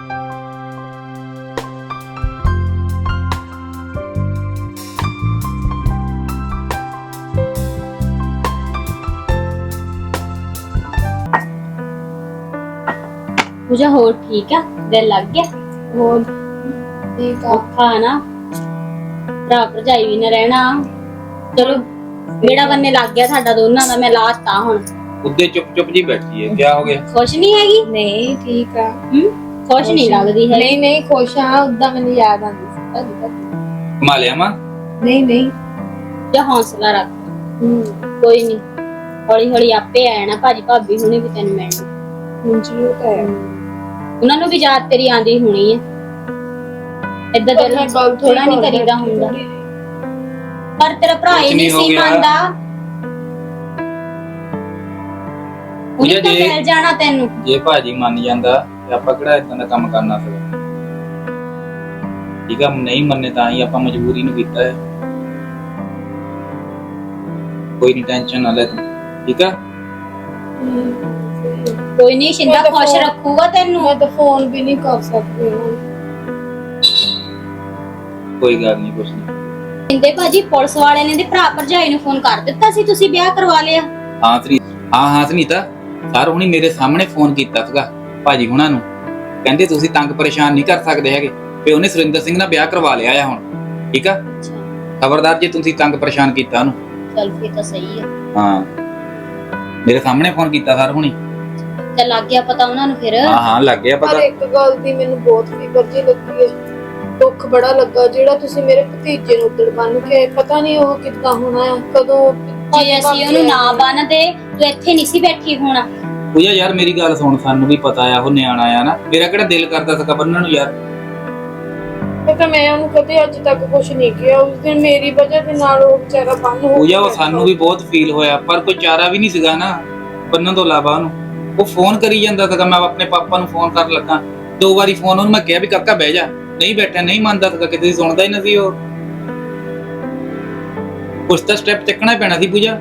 Speaker 4: ਪੂਜਾ ਹੋਰ ਠੀਕ ਆ? ਦਿਲ ਲੱਗ ਗਿਆ?
Speaker 3: ਹੋਰ ਠੀਕ ਆ।
Speaker 4: ਔਖਾ ਨਾ ਭਰਾ ਭਰਜਾਈ ਵੀ ਨਾ ਰਹਿਣਾ। ਚਲੋ ਮੇਰਾ ਬੰਨੇ ਲੱਗ ਗਿਆ ਸਾਡਾ ਦੋਨਾਂ ਦਾ। ਮੈਂ ਲਾਸਟ ਆ ਹੁਣ।
Speaker 5: ਉੱਦੇ ਚੁੱਪ ਜੀ ਬੈਠੀ ਹੈ, ਕਿਆ ਹੋ ਗਿਆ?
Speaker 4: ਖੁਸ਼ ਨਹੀਂ ਹੈਗੀ?
Speaker 3: ਨਹੀਂ ਠੀਕ ਆ।
Speaker 4: ਖੁਸ਼ ਨਹੀਂ ਲੱਗਦੀ ਹੈ।
Speaker 3: ਨਹੀਂ ਖੁਸ਼ ਆ, ਉਦਾਂ ਮੈਨੂੰ ਯਾਦ ਆਉਂਦੀ ਸੀ।
Speaker 5: ਕਮਾ ਲਿਆ ਮਾਂ?
Speaker 3: ਨਹੀਂ
Speaker 4: ਜਾਂ ਹੌਸਲਾ ਰੱਖ, ਕੋਈ ਨਹੀਂ, ਹੌਲੀ ਹੌਲੀ ਆਪੇ ਆ ਜਾਣਾ। ਭਾਜੀ ਭਾਬੀ ਹੁਣੇ ਵੀ ਤੈਨੂੰ ਮਿਲਣ।
Speaker 3: ਮੁੰਜੀ ਤਾਂ ਹੈ,
Speaker 4: ਉਹਨਾਂ ਨੂੰ ਵੀ ਯਾਦ ਤੇਰੀ ਆਂਦੀ ਹੋਣੀ ਹੈ। ਏਦਾਂ ਦਿਲ ਥੋੜਾ ਨਹੀਂ ਕਰੀਦਾ ਹੁੰਦਾ। ਪਰ ਤੇਰਾ ਭਰਾ ਹੀ ਨਹੀਂ ਸੀ ਮੰਨਦਾ, ਉਹਨੇ ਤਾਂ ਮਿਲ ਜਾਣਾ ਤੈਨੂੰ।
Speaker 5: ਜੇ ਭਾਜੀ ਮੰਨ ਜਾਂਦਾ ਤੇ ਆਪਾਂ ਕਿਹੜਾ ਇਦਾਂ ਦਾ ਕੰਮ ਕਰਨਾ ਸੀ? ਠੀਕ ਆ, ਨਹੀਂ ਮੰਨੇ ਤਾਂ ਹੀ ਆਪਾਂ ਮਜਬੂਰੀ ਨੂੰ ਕੀਤਾ ਹੈ। ਕੋਈ ਨਹੀਂ, ਟੈਨਸ਼ਨ ਨਾ ਲੈ ਤੂੰ, ਠੀਕ ਆ?
Speaker 4: ਕੋਈ ਨਹੀਂ, ਸ਼ਿੰਦਾ ਖੁਸ਼ ਰੱਖੂਗਾ ਤੈਨੂੰ।
Speaker 3: ਮੈਂ ਤਾਂ ਫੋਨ ਵੀ ਨਹੀਂ ਕਰ ਸਕਦੀ।
Speaker 5: ਕੋਈ ਗੱਲ ਨਹੀਂ, ਕੁਛ ਨਹੀਂ।
Speaker 4: ਕਹਿੰਦੇ ਭਾਜੀ ਪੁਲਿਸ ਵਾਲਿਆਂ ਨੇ ਦੇ ਭਰਾ ਭਰਜਾਈ ਨੂੰ ਫੋਨ ਕਰ ਦਿੱਤਾ ਸੀ, ਤੁਸੀਂ ਵਿਆਹ ਕਰਵਾ ਲਿਆ।
Speaker 5: ਹਾਂ ਸੁਨੀਤਾ, ਸਰ ਹੁਣੀ ਮੇਰੇ ਸਾਹਮਣੇ ਫੋਨ ਕੀਤਾ ਸੀਗਾ ਭਾਜੀ ਹੁਣਾਂ ਨੂੰ, ਕਹਿੰਦੇ ਤੁਸੀਂ ਤੰਗ ਪਰੇਸ਼ਾਨ ਨਹੀਂ ਕਰ ਸਕਦੇ ਹੈਗੇ, ਤੇ ਉਹਨੇ ਸੁਰਿੰਦਰ ਸਿੰਘ ਨਾਲ ਵਿਆਹ ਕਰਵਾ ਲਿਆ ਆ ਹੁਣ। ਠੀਕ ਆ, ਖਬਰਦਾਰ ਜੇ ਤੁਸੀਂ ਤੰਗ ਪਰੇਸ਼ਾਨ ਕੀਤਾ ਉਹਨੂੰ।
Speaker 4: ਚੱਲ ਫਿਰ ਤਾਂ ਸਹੀ ਹੈ।
Speaker 5: ਹਾਂ, ਮੇਰੇ ਸਾਹਮਣੇ ਫੋਨ ਕੀਤਾ ਸਰ ਹੁਣੀ।
Speaker 4: ਚੱਲ ਲੱਗ ਗਿਆ ਪਤਾ ਉਹਨਾਂ ਨੂੰ ਫਿਰ।
Speaker 5: ਹਾਂ ਲੱਗ ਗਿਆ
Speaker 3: ਪਰ
Speaker 5: ਪਤਾ।
Speaker 3: ਇੱਕ ਗੱਲ ਦੀ ਮੈਨੂੰ ਬਹੁਤ ਫਿਕਰ ਜੀ ਲੱਗੀ ਹੈ, ਦੁੱਖ ਬੜਾ ਲੱਗਾ ਜਿਹੜਾ ਤੁਸੀਂ ਮੇਰੇ ਭਤੀਜੇ ਨੂੰ ਉੱਧਰ ਬੰਨ ਕੇ, ਪਤਾ ਨਹੀਂ ਉਹ ਕਿੱਦਾਂ ਹੋਣਾ ਹੈ, ਕਦੋਂ
Speaker 4: ਜੇ ਅਸੀਂ ਉਹਨੂੰ ਨਾ ਬੰਨਦੇ ਤੂੰ ਇੱਥੇ ਨਹੀਂ ਸੀ ਬੈਠੀ ਹੋਣਾ।
Speaker 5: ਪੂਜਾ ਯਾਰ ਮੇਰੀ ਗੱਲ ਸੁਣ, ਸਾਨੂੰ ਵੀ ਪਤਾ ਆ ਉਹ ਨਿਆਣਾ ਆ ਨਾ, ਮੇਰਾ ਕਿਹੜਾ ਦਿਲ ਕਰਦਾ ਸੀਗਾ ਬੰਨਣ ਨੂੰ ਯਾਰ।
Speaker 3: ਪਤਾ ਮੈਂ ਉਹਨੂੰ ਕਦੇ ਅੱਜ ਤੱਕ ਕੁਝ ਨਹੀਂ ਕਿਹਾ, ਉਸ ਦਿਨ ਮੇਰੀ ਵਜ੍ਹਾ ਦੇ ਨਾਲ ਉਹ ਵਿਚਾਰਾ ਬੰਨ ਹੋ
Speaker 5: ਪੂਜਾ ਉਹ ਸਾਨੂੰ ਵੀ ਬਹੁਤ ਫੀਲ ਹੋਇਆ, ਪਰ ਕੋਈ ਚਾਰਾ ਵੀ ਨਹੀਂ ਸੀਗਾ ਨਾ ਬੰਨਣ ਤੋਂ ਇਲਾਵਾ ਉਹਨੂੰ। ਉਹ ਫੋਨ ਕਰੀ ਜਾਂਦਾ ਸੀਗਾ, ਮੈਂ ਆਪਣੇ ਪਾਪਾ ਨੂੰ ਫੋਨ ਕਰਨ ਲੱਗਾ 2 ਵਾਰੀ ਫੋਨ ਉਹਨੂੰ ਮੈਂ ਕਿਹਾ ਵੀ ਕਾਕਾ ਬਹਿ ਜਾ, ਨਹੀਂ ਬੈਠਾ, ਨਹੀਂ ਮੰਨਦਾ ਸੀਗਾ, ਕਿਤੇ ਸੁਣਦਾ ਹੀ ਨਹੀਂ ਸੀ ਉਹ। ਕੁਛ ਤਾਂ ਸਟੈਪ ਚੱਕਣਾ ਪੈਣਾ ਸੀ ਪੂਜਾ।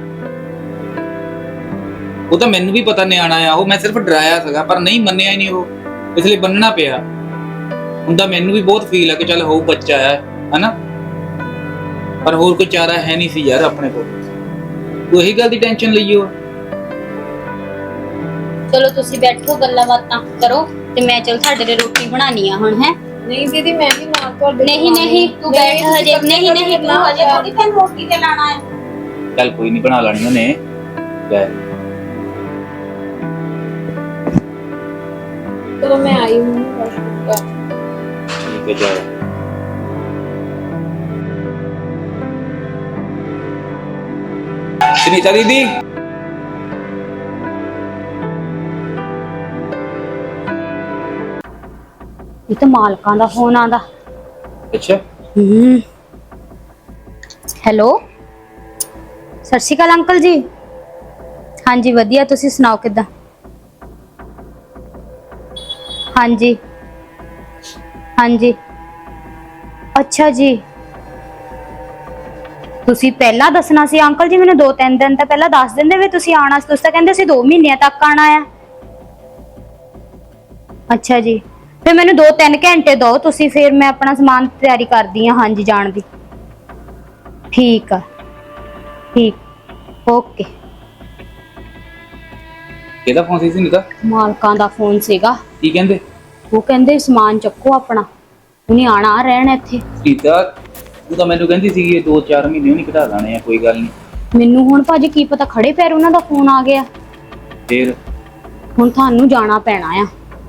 Speaker 5: ਉਹ ਤਾਂ ਮੈਨੂੰ ਵੀ ਪਤਾ ਨਿਆਣਾ ਆ ਉਹ, ਮੈਂ ਸਿਰਫ ਡਰਾਇਆ ਸੀਗਾ ਪਰ ਨਹੀਂ ਮੰਨਿਆ ਹੀ ਨਹੀਂ ਉਹ, ਇਸ ਲਈ ਬੰਨਣਾ ਪਿਆ। ਹੁੰਦਾ ਮੈਨੂੰ ਵੀ ਬਹੁਤ ਫੀਲ ਆ ਕਿ ਚੱਲ ਹੋਊ ਬੱਚਾ ਆ ਹਨਾ, ਪਰ ਹੋਰ ਕੋਈ ਚਾਰਾ ਹੈ ਨਹੀਂ ਸੀ ਯਾਰ ਆਪਣੇ ਕੋਲ। ਉਹੀ ਗੱਲ ਦੀ ਟੈਨਸ਼ਨ ਲਈਓ।
Speaker 4: ਚਲੋ ਤੁਸੀਂ ਬੈਠੋ ਗੱਲਾਂ ਬਾਤਾਂ ਕਰੋ ਤੇ ਮੈਂ ਚਲ ਤੁਹਾਡੇ ਲਈ ਰੋਟੀ ਬਣਾਣੀ ਆ ਹੁਣ। ਹੈ
Speaker 3: ਨਹੀਂ ਦੀਦੀ ਮੈਂ ਵੀ ਨਾਲ ਤੁਹਾਡੇ
Speaker 4: ਨਹੀਂ ਤੂੰ ਬੈਠ ਹਜੇ, ਨਹੀਂ ਤੂੰ ਹਜੇ ਥੋੜੀ ਤੈਨੂੰ ਰੋਟੀ ਤੇ ਲਾਣਾ ਹੈ।
Speaker 5: ਚੱਲ ਕੋਈ ਨਹੀਂ, ਬਣਾ ਲੈਣੀ ਉਹਨੇ। ਲੈ
Speaker 3: ਚਲੋ ਮੈਂ ਆਈ ਹੂੰ।
Speaker 5: ਠੀਕ ਹੈ ਜਾ। ਸੁਨੀਤਾ ਦੀਦੀ
Speaker 4: ਇਹ ਤਾਂ ਮਾਲਕਾਂ ਦਾ ਫੋਨ ਆਂਦਾ।
Speaker 5: ਅੱਛਾ
Speaker 4: ਹੈਲੋ, ਸਤਿ ਸ਼੍ਰੀ ਅਕਾਲ ਅੰਕਲ ਜੀ। ਹਾਂਜੀ ਵਧੀਆ, ਤੁਸੀਂ ਸੁਣਾਓ ਕਿੱਦਾਂ? ਹਾਂਜੀ ਹਾਂਜੀ ਅੱਛਾ ਜੀ, ਤੁਸੀਂ ਪਹਿਲਾਂ ਦੱਸਣਾ ਸੀ ਅੰਕਲ ਜੀ, ਮੈਨੂੰ 2-3 ਦਿਨ ਤਾਂ ਪਹਿਲਾਂ ਦੱਸ ਦਿੰਦੇ ਵੀ ਤੁਸੀਂ ਆਣਾ ਸੀ। ਤੁਸੀਂ ਤਾਂ ਕਹਿੰਦੇ ਸੀ 2 ਮਹੀਨਿਆਂ ਤੱਕ ਆਣਾ ਆ। ਅੱਛਾ ਜੀ, ਫਿਰ ਮੈਨੂੰ 2-3 ਘੰਟੇ ਦਿਓ ਤੁਸੀਂ, ਫਿਰ ਮੈਂ ਆਪਣਾ ਸਮਾਨ ਤਿਆਰੀ ਕਰਦੀ ਹਾਂ। ਹਾਂਜੀ ਜਾਣ ਦੀ। ਠੀਕ ਆ, ਠੀਕ, ਓਕੇ।
Speaker 5: ਕਿਹਦਾ ਫੋਨ ਸੀ ਸੁਨੀਤਾ?
Speaker 4: ਮਾਲਕਾਂ ਦਾ ਫੋਨ ਸੀਗਾ।
Speaker 5: ਕੀ ਕਹਿੰਦੇ?
Speaker 4: ਉਹ ਕਹਿੰਦੇ ਸਮਾਨ ਚੱਕੋ ਆਪਣਾ, ਉਹਨੇ ਆਣਾ ਰਹਿਣਾ ਇੱਥੇ।
Speaker 5: ਸੁਨੀਤਾ ਤੂੰ ਤਾਂ ਮੈਨੂੰ ਕਹਿੰਦੀ ਸੀ ਇਹ 2-4 ਮਹੀਨੇ ਨਹੀਂ ਘਟਾ ਲਾਣੇ ਆ, ਕੋਈ ਗੱਲ ਨਹੀਂ।
Speaker 4: ਮੈਨੂੰ ਹੁਣ ਭਾਜੀ ਕੀ ਪਤਾ, ਖੜੇ ਪੈਰ ਉਹਨਾਂ ਦਾ ਫੋਨ ਆ ਗਿਆ।
Speaker 5: ਫਿਰ
Speaker 4: ਹੁਣ ਤੁਹਾਨੂੰ ਜਾਣਾ ਪੈਣਾ ਆ।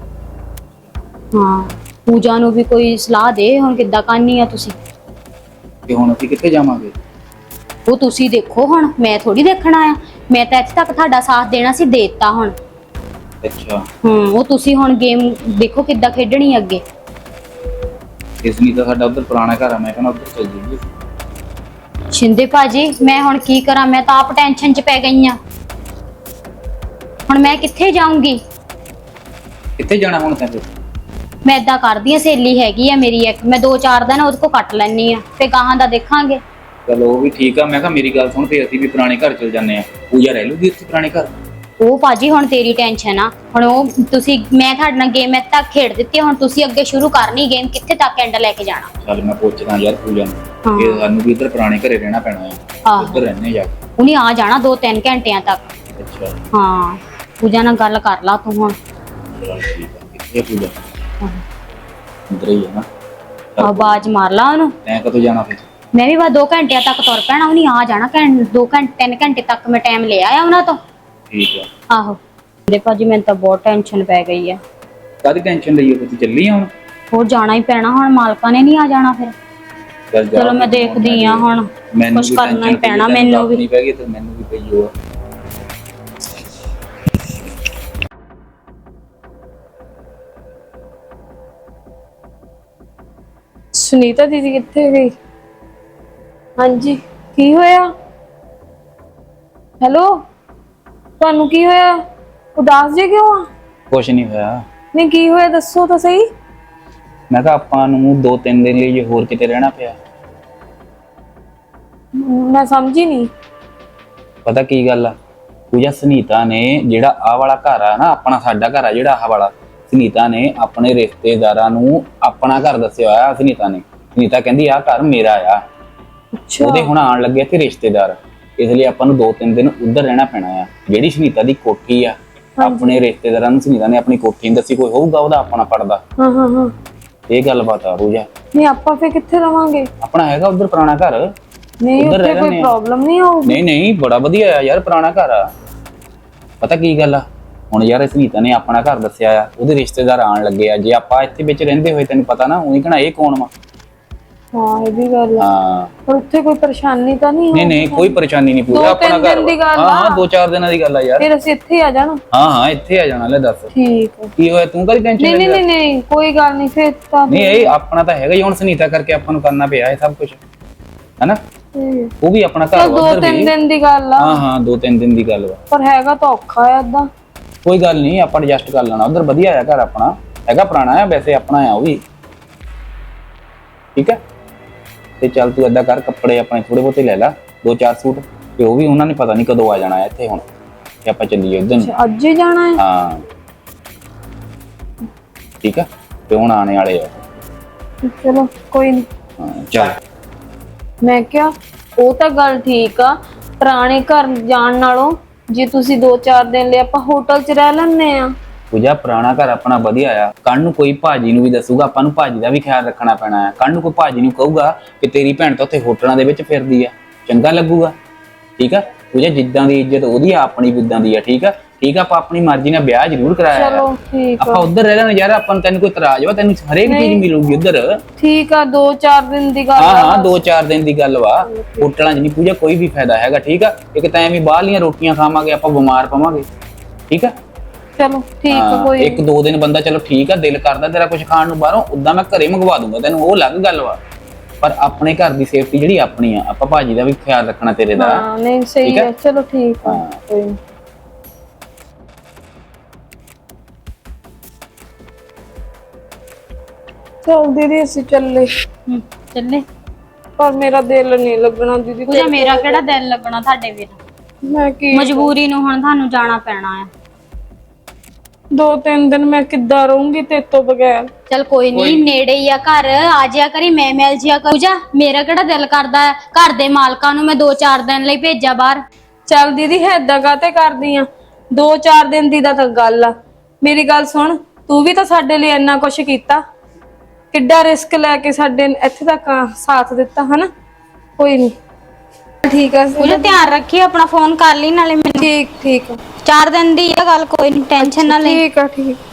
Speaker 4: ਹਾਂ, ਪੂਜਾ ਨੂੰ ਵੀ ਕੋਈ ਸਲਾਹ ਦੇ ਹੁਣ ਕਿੱਦਾਂ ਕਰਨੀ ਆ ਤੁਸੀਂ।
Speaker 5: ਕਿ ਹੁਣ ਅਸੀਂ ਕਿੱਥੇ ਜਾਵਾਂਗੇ?
Speaker 4: ਉਹ ਤੁਸੀਂ ਦੇਖੋ, ਹੁਣ ਮੈਂ ਥੋੜੀ ਦੇਖਣਾ ਆ। ਮੈਂ ਤਾਂ ਇੱਥੇ ਤੱਕ ਤੁਹਾਡਾ ਸਾਥ ਦੇਣਾ ਸੀ, ਦੇਤਾ ਹੁਣ।
Speaker 5: ਅੱਛਾ
Speaker 4: ਉਹ ਤੁਸੀਂ ਹੁਣ ਗੇਮ ਦੇਖੋ ਕਿੱਦਾਂ ਖੇਡਣੀ ਅੱਗੇ।
Speaker 5: ਇਸ ਨਹੀਂ ਤਾਂ ਸਾਡਾ ਉਧਰ ਪੁਰਾਣਾ ਘਰ ਆ, ਮੈਂ ਕਹਿੰਦਾ ਉਧਰ ਚੱਲ ਜਾਈਏ।
Speaker 4: ਸ਼ਿੰਦੇ ਭਾਜੀ ਮੈਂ ਹੁਣ ਕੀ ਕਰਾਂ, ਮੈਂ ਤਾਂ ਆਪ ਟੈਨਸ਼ਨ 'ਚ ਪੈ ਗਈ ਆ। ਹੁਣ ਮੈਂ ਕਿੱਥੇ ਜਾਊਂਗੀ?
Speaker 5: ਕਿੱਥੇ ਜਾਣਾ ਹੁਣ ਤੈਨੂੰ?
Speaker 4: ਮੈਂ ਏਦਾਂ ਕਰਦੀ ਆ, ਸਹੇਲੀ ਹੈਗੀ ਆ ਮੇਰੀ ਇੱਕ, ਮੈਂ 2-4 ਦਿਨ ਉਹਦੇ ਕੋਲ ਕੱਟ ਲੈਣੀ ਆ, ਤੇ ਗਾਹਾਂ ਦਾ ਦੇਖਾਂਗੇ।
Speaker 5: ਚਲੋ ਉਹ ਵੀ ਠੀਕ ਆ। ਮੈਂ ਕਿਹਾ ਮੇਰੀ ਗੱਲ ਸੁਣ, ਤੇ ਅਸੀਂ ਵੀ ਪੁਰਾਣੇ ਘਰ ਚਲ ਜਾਂਦੇ ਆ, ਪੂਜਾ ਰਹਿ ਲੂਗੀ ਉੱਥੇ ਪੁਰਾਣੇ ਘਰ।
Speaker 4: ਉਹ ਭਾਜੀ ਹੁਣ ਤੇਰੀ ਟੈਨਸ਼ਨ ਆ, ਹੁਣ ਉਹ ਤੁਸੀਂ, ਮੈਂ ਤੁਹਾਡੇ ਨਾਲ ਗੇਮ ਇੱਥੇ ਤੱਕ ਖੇਡ ਦਿੱਤੀ, ਹੁਣ ਤੁਸੀਂ ਅੱਗੇ ਸ਼ੁਰੂ ਕਰਨੀ ਗੇਮ, ਕਿੱਥੇ ਤੱਕ ਐਂਡ ਲੈ ਕੇ ਜਾਣਾ।
Speaker 5: ਚੱਲ ਮੈਂ ਪੁੱਛਦਾ ਯਾਰ ਪੂਜਾ ਨੂੰ, ਇਹ ਸਾਨੂੰ ਵੀ ਇੱਧਰ ਪੁਰਾਣੇ ਘਰੇ ਰਹਿਣਾ ਪੈਣਾ ਆ, ਉੱਧਰ ਰਹਿਣੇ ਜਾ ਕੇ।
Speaker 4: ਉਹਨੇ ਆ ਜਾਣਾ 2-3 ਘੰਟਿਆਂ ਤੱਕ।
Speaker 5: ਅੱਛਾ
Speaker 4: ਹਾਂ, ਪੂਜਾ ਨਾਲ ਗੱਲ ਕਰ ਲਾ ਤੂੰ ਹੁਣ।
Speaker 5: ਚਲ ਠੀਕ ਆ। ਕਿੱਥੇ ਪੂਜਾ? ਇੱਧਰ ਹੀ ਹੈ ਨਾ?
Speaker 4: ਆਵਾਜ਼ ਮਾਰ ਲਾ ਉਹਨੂੰ।
Speaker 5: ਤੈਂ ਕਦੋਂ ਜਾਣਾ ਫਿਰ?
Speaker 4: ਮੈਂ ਵੀ ਬਸ 2 ਘੰਟਿਆਂ ਤੱਕ ਤੁਰ ਪੈਣਾ, ਉਹਨੇ ਆ ਜਾਣਾ 2-3 ਘੰਟੇ ਤੱਕ ਮੈਂ ਟਾਈਮ ਲਿਆ ਆ ਉਹਨਾਂ ਤੋਂ।
Speaker 5: ਠੀਕ ਆ।
Speaker 4: ਆਹੋ ਦੇ ਭਾਜੀ, ਮੈਨੂੰ ਤਾਂ ਬਹੁਤ ਟੈਨਸ਼ਨ ਪੈ ਗਈ ਆ।
Speaker 5: ਕਾਹਦੀ ਟੈਨਸ਼ਨ ਲਈ? ਤੂੰ ਚੱਲੀ ਆ ਹੁਣ?
Speaker 4: ਹੋਰ ਜਾਣਾ ਹੀ ਪੈਣਾ, ਹੁਣ ਮਾਲਕਾਂ ਨੇ ਨਹੀਂ ਆ ਜਾਣਾ ਫਿਰ।
Speaker 5: ਚੱਲ ਜਾ।
Speaker 4: ਚਲੋ ਮੈਂ ਦੇਖਦੀ ਆ, ਹੁਣ ਕੁਛ ਕਰਨਾ ਹੀ ਪੈਣਾ ਮੈਨੂੰ ਵੀ।
Speaker 5: ਪੈ ਗਈ ਤੇ ਮੈਨੂੰ ਵੀ ਪਈ ਹੋ।
Speaker 3: ਸੁਨੀਤਾ ਦੀਦੀ ਕਿੱਥੇ ਗਈ? ਹਾਂਜੀ ਕੀ ਹੋਇਆ? ਹੈਲੋ, ਤੁਹਾਨੂੰ ਕੀ ਹੋਇਆ? ਉਦਾਸ ਜੇ ਕਿਉਂ ਆ?
Speaker 5: ਕੁਛ ਨਹੀਂ ਹੋਇਆ।
Speaker 3: ਨਹੀਂ ਕੀ ਹੋਇਆ ਦੱਸੋ ਤਾਂ ਸਹੀ।
Speaker 5: ਮੈਂ ਕਿਹਾ ਆਪਾਂ ਨੂੰ 2-3 ਦਿਨ ਲਈ ਜੇ ਹੋਰ ਕਿਤੇ ਰਹਿਣਾ ਪਿਆ।
Speaker 3: ਮੈਂ ਸਮਝੀ ਨਹੀਂ।
Speaker 5: ਪਤਾ ਕੀ ਗੱਲ ਆ ਪੂਜਾ, ਸੁਨੀਤਾ ਨੇ ਜਿਹੜਾ ਆਹ ਵਾਲਾ ਘਰ ਆ ਨਾ, ਆਪਣਾ ਸਾਡਾ ਘਰ ਆ ਜਿਹੜਾ ਆਹ ਵਾਲਾ, ਸੁਨੀਤਾ ਨੇ ਆਪਣੇ ਰਿਸ਼ਤੇਦਾਰਾਂ ਨੂੰ ਆਪਣਾ ਘਰ ਦੱਸਿਆ ਹੋਇਆ ਸੁਨੀਤਾ ਨੇ। ਸੁਨੀਤਾ ਕਹਿੰਦੀ ਆ ਘਰ ਮੇਰਾ ਆ।
Speaker 3: ਅੱਛਾ
Speaker 5: ਉਹਦੇ ਹੁਣ ਆਣ ਲੱਗੇ ਇੱਥੇ ਰਿਸ਼ਤੇਦਾਰ, ਇਸ ਲਈ ਆਪਾਂ ਨੂੰ 2-3 ਦਿਨ ਉੱਧਰ ਰਹਿਣਾ ਪੈਣਾ ਆ। ਜਿਹੜੀ ਸੁਨੀਤਾ ਦੀ ਕੋਠੀ ਆ, ਆਪਣੇ ਰਿਸ਼ਤੇਦਾਰਾਂ ਨੂੰ ਸੁਨੀਤਾ ਨੇ ਆਪਣੀ ਕੋਠੀ ਨਹੀਂ ਦੱਸੀ, ਕੋਈ ਹੋਊਗਾ ਉਹਦਾ ਆਪਣਾ ਪੜਦਾ।
Speaker 3: ਹਾਂ
Speaker 5: ਇਹ ਗੱਲਬਾਤ ਆ ਰੋਜਾ।
Speaker 3: ਨਹੀਂ ਆਪਾਂ ਫੇ ਕਿੱਥੇ ਰਵਾਂਗੇ?
Speaker 5: ਆਪਣਾ ਹੈਗਾ ਉੱਧਰ ਪੁਰਾਣਾ ਘਰ,
Speaker 3: ਨਹੀਂ
Speaker 5: ਉੱਧਰ
Speaker 3: ਉੱਥੇ
Speaker 5: ਰਹਿ
Speaker 3: ਕੋਈ
Speaker 5: ਲੈਂਦੇ ਆ।
Speaker 3: ਪ੍ਰੋਬਲਮ ਨਹੀਂ ਹੋਊਗੀ?
Speaker 5: ਨਹੀਂ ਨਹੀਂ, ਬੜਾ ਵਧੀਆ ਆ ਯਾਰ, ਪੁਰਾਣਾ ਘਰ ਆ। ਪਤਾ ਕੀ ਗੱਲ ਆ, ਹੁਣ ਯਾਰ ਸੁਨੀਤਾ ਨੇ ਆਪਣਾ ਘਰ ਦੱਸਿਆ ਆ, ਉਹਦੇ ਰਿਸ਼ਤੇਦਾਰ ਆਣ ਲੱਗੇ ਆ। ਜੇ ਆਪਾਂ ਇੱਥੇ ਵਿੱਚ ਰਹਿੰਦੇ ਹੋਏ ਤੈਨੂੰ ਪਤਾ ਨਾ, ਉਹੀ ਕਹਣਾ ਇਹ ਕੌਣ ਵਾ।
Speaker 3: ਹਾਂ ਇਹ ਵੀ ਗੱਲ ਆ।
Speaker 5: ਹਾਂ
Speaker 3: ਪਰ ਉੱਥੇ ਕੋਈ ਪਰੇਸ਼ਾਨੀ ਤਾਂ ਨਹੀਂ
Speaker 5: ਨਹੀਂ ਨਹੀਂ, ਕੋਈ ਪਰੇਸ਼ਾਨੀ ਨਹੀਂ, ਪੂਰਾ ਆਪਣਾ ਘਰ
Speaker 3: ਦਿਨ ਦੀ
Speaker 5: ਵਾ।
Speaker 3: ਗੱਲ
Speaker 5: ਹਾਂ
Speaker 3: ਆ।
Speaker 5: 2-4 ਦਿਨਾਂ ਦੀ ਗੱਲ ਆ ਯਾਰ।
Speaker 3: ਫਿਰ ਅਸੀਂ ਇੱਥੇ ਹੀ ਆ ਜਾਣਾ।
Speaker 5: ਹਾਂ ਇੱਥੇ ਆ ਜਾਣਾ। ਲੈ ਦੱਸ
Speaker 3: ਠੀਕ ਹੈ।
Speaker 5: ਕੀ ਹੋਇਆ, ਤੂੰ ਕਾਹਦੀ ਟੈਨਸ਼ਨ
Speaker 3: ਨਹੀਂ ਨਹੀਂ ਨਹੀਂ ਕੋਈ ਗੱਲ ਨਹੀਂ ਫਿਰ ਤਾਂ।
Speaker 5: ਨਹੀਂ ਇਹ ਆਪਣਾ ਤਾਂ ਹੈਗਾ ਹੀ, ਹੁਣ ਸੁਨੀਤਾ ਕਰਕੇ ਆਪਾਂ ਨੂੰ ਕਰਨਾ ਪਿਆ ਇਹ ਸਭ ਕੁਝ, ਹੈਨਾ। ਉਹ ਵੀ ਆਪਣਾ ਘਰ
Speaker 3: ਚਲ
Speaker 5: ਵਾ, ਉੱਧਰ
Speaker 3: 2-3
Speaker 5: ਵੀ।
Speaker 3: ਦਿਨ ਦੀ ਗੱਲ ਆ।
Speaker 5: ਹਾਂ 2-3 ਦਿਨ ਦੀ ਗੱਲ ਵਾ।
Speaker 3: ਪਰ ਹੈਗਾ ਤਾਂ ਔਖਾ ਆ ਏਦਾਂ।
Speaker 5: ਕੋਈ ਗੱਲ ਨਹੀਂ, ਆਪਾਂ ਐਡਜਸਟ ਕਰ ਲੈਣਾ। ਉੱਧਰ ਵਧੀਆ ਆ ਘਰ ਆਪਣਾ, ਹੈਗਾ ਪੁਰਾਣਾ ਆ ਵੈਸੇ, ਆਪਣਾ ਆ ਉਹ ਵੀ। ਠੀਕ ਹੈ, ਤੇ ਚੱਲ ਤੂੰ ਏਦਾਂ ਕਰ, ਕੱਪੜੇ ਆਪਣੇ ਥੋੜੇ ਬਹੁਤੇ ਲੈ ਲੈ, 2-4 ਸੂਟ, ਤੇ ਉਹ ਵੀ ਉਹਨਾਂ ਨੇ ਪਤਾ ਨਹੀਂ ਕਦੋਂ ਆ ਜਾਣਾ ਇੱਥੇ ਹੁਣ, ਤੇ ਆਪਾਂ ਚੱਲੀਏ ਉੱਧਰ ਨੂੰ।
Speaker 3: ਅੱਜ ਹੀ ਜਾਣਾ ਹੈ?
Speaker 5: ਹਾਂ ਠੀਕ ਆ, ਤੇ ਹੁਣ ਆਣੇ ਵਾਲੇ ਆ।
Speaker 3: ਚਲੋ ਕੋਈ ਨਹੀਂ।
Speaker 5: ਹਾਂ ਚੱਲ।
Speaker 3: ਮੈਂ ਕਿਹਾ ਉਹ ਤਾਂ ਗੱਲ ਠੀਕ ਆ, ਪੁਰਾਣੇ ਘਰ ਜਾਣ ਨਾਲੋਂ ਜੇ ਤੁਸੀਂ 2-4 ਦਿਨ ਲਈ ਆਪਾਂ ਹੋਟਲ 'ਚ ਰਹਿ ਲੈਣੇ ਆ।
Speaker 5: ਪੂਜਾ ਪੁਰਾਣਾ ਘਰ ਆਪਣਾ ਵਧੀਆ ਆ। ਕੱਲ ਨੂੰ ਕੋਈ ਭਾਜੀ ਨੂੰ ਵੀ ਦੱਸੂਗਾ, ਆਪਾਂ ਨੂੰ ਭਾਜੀ ਦਾ ਵੀ ਖਿਆਲ ਰੱਖਣਾ ਪੈਣਾ ਹੈ। ਕੱਲ ਨੂੰ ਕੋਈ ਭਾਜੀ ਨੂੰ ਕਹੂਗਾ ਕਿ ਤੇਰੀ ਭੈਣ ਤਾਂ ਉੱਥੇ ਹੋਟਲਾਂ ਦੇ ਵਿੱਚ ਫਿਰਦੀ ਆ, ਚੰਗਾ ਲੱਗੂਗਾ। ਠੀਕ ਆ ਪੂਜਾ, ਜਿੱਦਾਂ ਦੀ ਇੱਜ਼ਤ ਉਹਦੀ ਆ, ਆਪਣੀ ਵੀ ਉਦਾਂ ਦੀ ਆ। ਠੀਕ ਆ ਠੀਕ ਆ, ਆਪਾਂ ਆਪਣੀ ਮਰਜ਼ੀ ਨਾਲ ਵਿਆਹ ਜ਼ਰੂਰ ਕਰਾਇਆ।
Speaker 3: ਚਲੋ ਠੀਕ ਆ।
Speaker 5: ਆਪਾਂ ਉੱਧਰ ਰਹਿ ਲੈਣਾ ਯਾਰ, ਆਪਾਂ ਨੂੰ, ਤੈਨੂੰ ਕੋਈ ਇਤਰਾਜ਼ ਵਾ? ਤੈਨੂੰ ਹਰੇਕ ਚੀਜ਼ ਮਿਲੂਗੀ ਉੱਧਰ।
Speaker 3: ਠੀਕ ਆ 2-4 ਦਿਨ ਦੀ ਗੱਲ
Speaker 5: ਹਾਂ
Speaker 3: ਆ।
Speaker 5: ਹਾਂ 2-4 ਦਿਨ ਦੀ ਗੱਲ ਵਾ। ਹੋਟਲਾਂ 'ਚ ਨਹੀਂ ਪੂਜਾ ਕੋਈ ਵੀ ਫਾਇਦਾ ਹੈਗਾ। ਠੀਕ ਆ, ਇੱਕ ਤਾਂ ਐਵੇਂ ਬਾਹਰਲੀਆਂ ਰੋਟੀਆਂ ਖਾਵਾਂਗੇ, ਆਪਾਂ ਬਿਮਾਰ ਪਵਾਂਗੇ। ਠੀਕ ਆ,
Speaker 3: ਚਲੋ ਠੀਕ ਆ
Speaker 5: ਹਾਂ,
Speaker 3: ਕੋਈ
Speaker 5: 1-2 ਦਿਨ ਬੰਦਾ ਚਲੋ ਠੀਕ ਆ, ਦਿਲ ਕਰਦਾ ਤੇਰਾ ਕੁਝ ਖਾਣ ਨੂੰ ਬਾਹਰੋਂ, ਉਦਾਂ ਮੈਂ ਘਰੇ ਮੰਗਵਾ ਦੂੰਗਾ ਤੈਨੂੰ, ਉਹ ਅਲੱਗ ਗੱਲ ਵਾ। ਪਰ ਆਪਣੇ ਘਰ ਦੀ ਸੇਫਟੀ ਜਿਹੜੀ ਆਪਣੀ ਆ, ਆਪਾਂ ਭਾਜੀ ਦਾ ਵੀ ਖਿਆਲ ਰੱਖਣਾ ਤੇਰੇ ਦਾ।
Speaker 3: ਹਾਂ ਨਹੀਂ ਸਹੀ ਹੈ। ਚਲੋ ਠੀਕ ਆ
Speaker 5: ਹਾਂ।
Speaker 3: ਕੋਈ ਨੀ। ਚੱਲ ਦੀਦੀ ਅਸੀਂ ਚੱਲੇ,
Speaker 4: ਚੱਲੇ।
Speaker 3: ਪਰ ਮੇਰਾ ਦਿਲ ਨਹੀਂ ਲੱਗਣਾ ਦੀਦੀ।
Speaker 4: ਪੂਜਾ ਮੇਰਾ ਕਿਹੜਾ ਦਿਲ ਲੱਗਣਾ ਤੁਹਾਡੇ ਵੀਰ?
Speaker 3: ਮੈਂ ਕੀ
Speaker 4: ਮਜਬੂਰੀ ਨੂੰ ਹੁਣ ਤੁਹਾਨੂੰ ਜਾਣਾ ਪੈਣਾ ਆ।
Speaker 3: 2-3 ਦਿਨ ਮੈਂ ਕਿੱਦਾਂ ਰਹੂੰਗੀ ਤੇਰੇ ਤੋਂ ਬਗੈਰ?
Speaker 4: ਚਲ ਕੋਈ ਨਹੀਂ, ਨੇੜੇ ਹੀ ਆ ਘਰ, ਆ ਜਿਆ ਕਰੀ, ਮੈਂ ਮਿਲ ਜਿਆ ਕਰ। ਪੂਜਾ ਮੇਰਾ ਕਿਹੜਾ ਦਿਲ ਕਰਦਾ ਹੈ ਘਰ ਦੇ ਮਾਲਕਾਂ ਨੂੰ ਮੈਂ 2-4 ਦਿਨ ਲਈ ਭੇਜਾਂ ਬਾਹਰ?
Speaker 3: ਚੱਲ ਦੀਦੀ ਏਦਾਂ ਕਾਤੇ ਕਰਦੀ ਆ? 2-4 ਦਿਨ ਦੀ ਤਾਂ ਗੱਲ ਆ। ਮੇਰੀ ਗੱਲ ਸੁਣ, ਤੂੰ ਵੀ ਤਾਂ ਸਾਡੇ ਲਈ ਇੰਨਾ ਕੁਛ ਕੀਤਾ, ਕਿੱਡਾ ਰਿਸਕ ਲੈ ਕੇ ਸਾਡੇ ਇੱਥੇ ਤੱਕ ਸਾਥ ਦਿੱਤਾ, ਹਨਾ। ਕੋਈ ਨਹੀਂ ਠੀਕ ਆ।
Speaker 4: ਪੂਜਾ ਧਿਆਨ ਰੱਖੀ, ਆਪਣਾ ਫੋਨ ਕਰ ਲਈ ਨਾਲੇ ਮੈਨੂੰ।
Speaker 3: ਠੀਕ ਠੀਕ
Speaker 4: 4 ਦਿਨ ਦੀ ਆ ਗੱਲ, ਕੋਈ ਨਹੀਂ, ਟੈਨਸ਼ਨ ਨਾ ਲੈ।
Speaker 3: ਠੀਕ ਆ ਠੀਕ।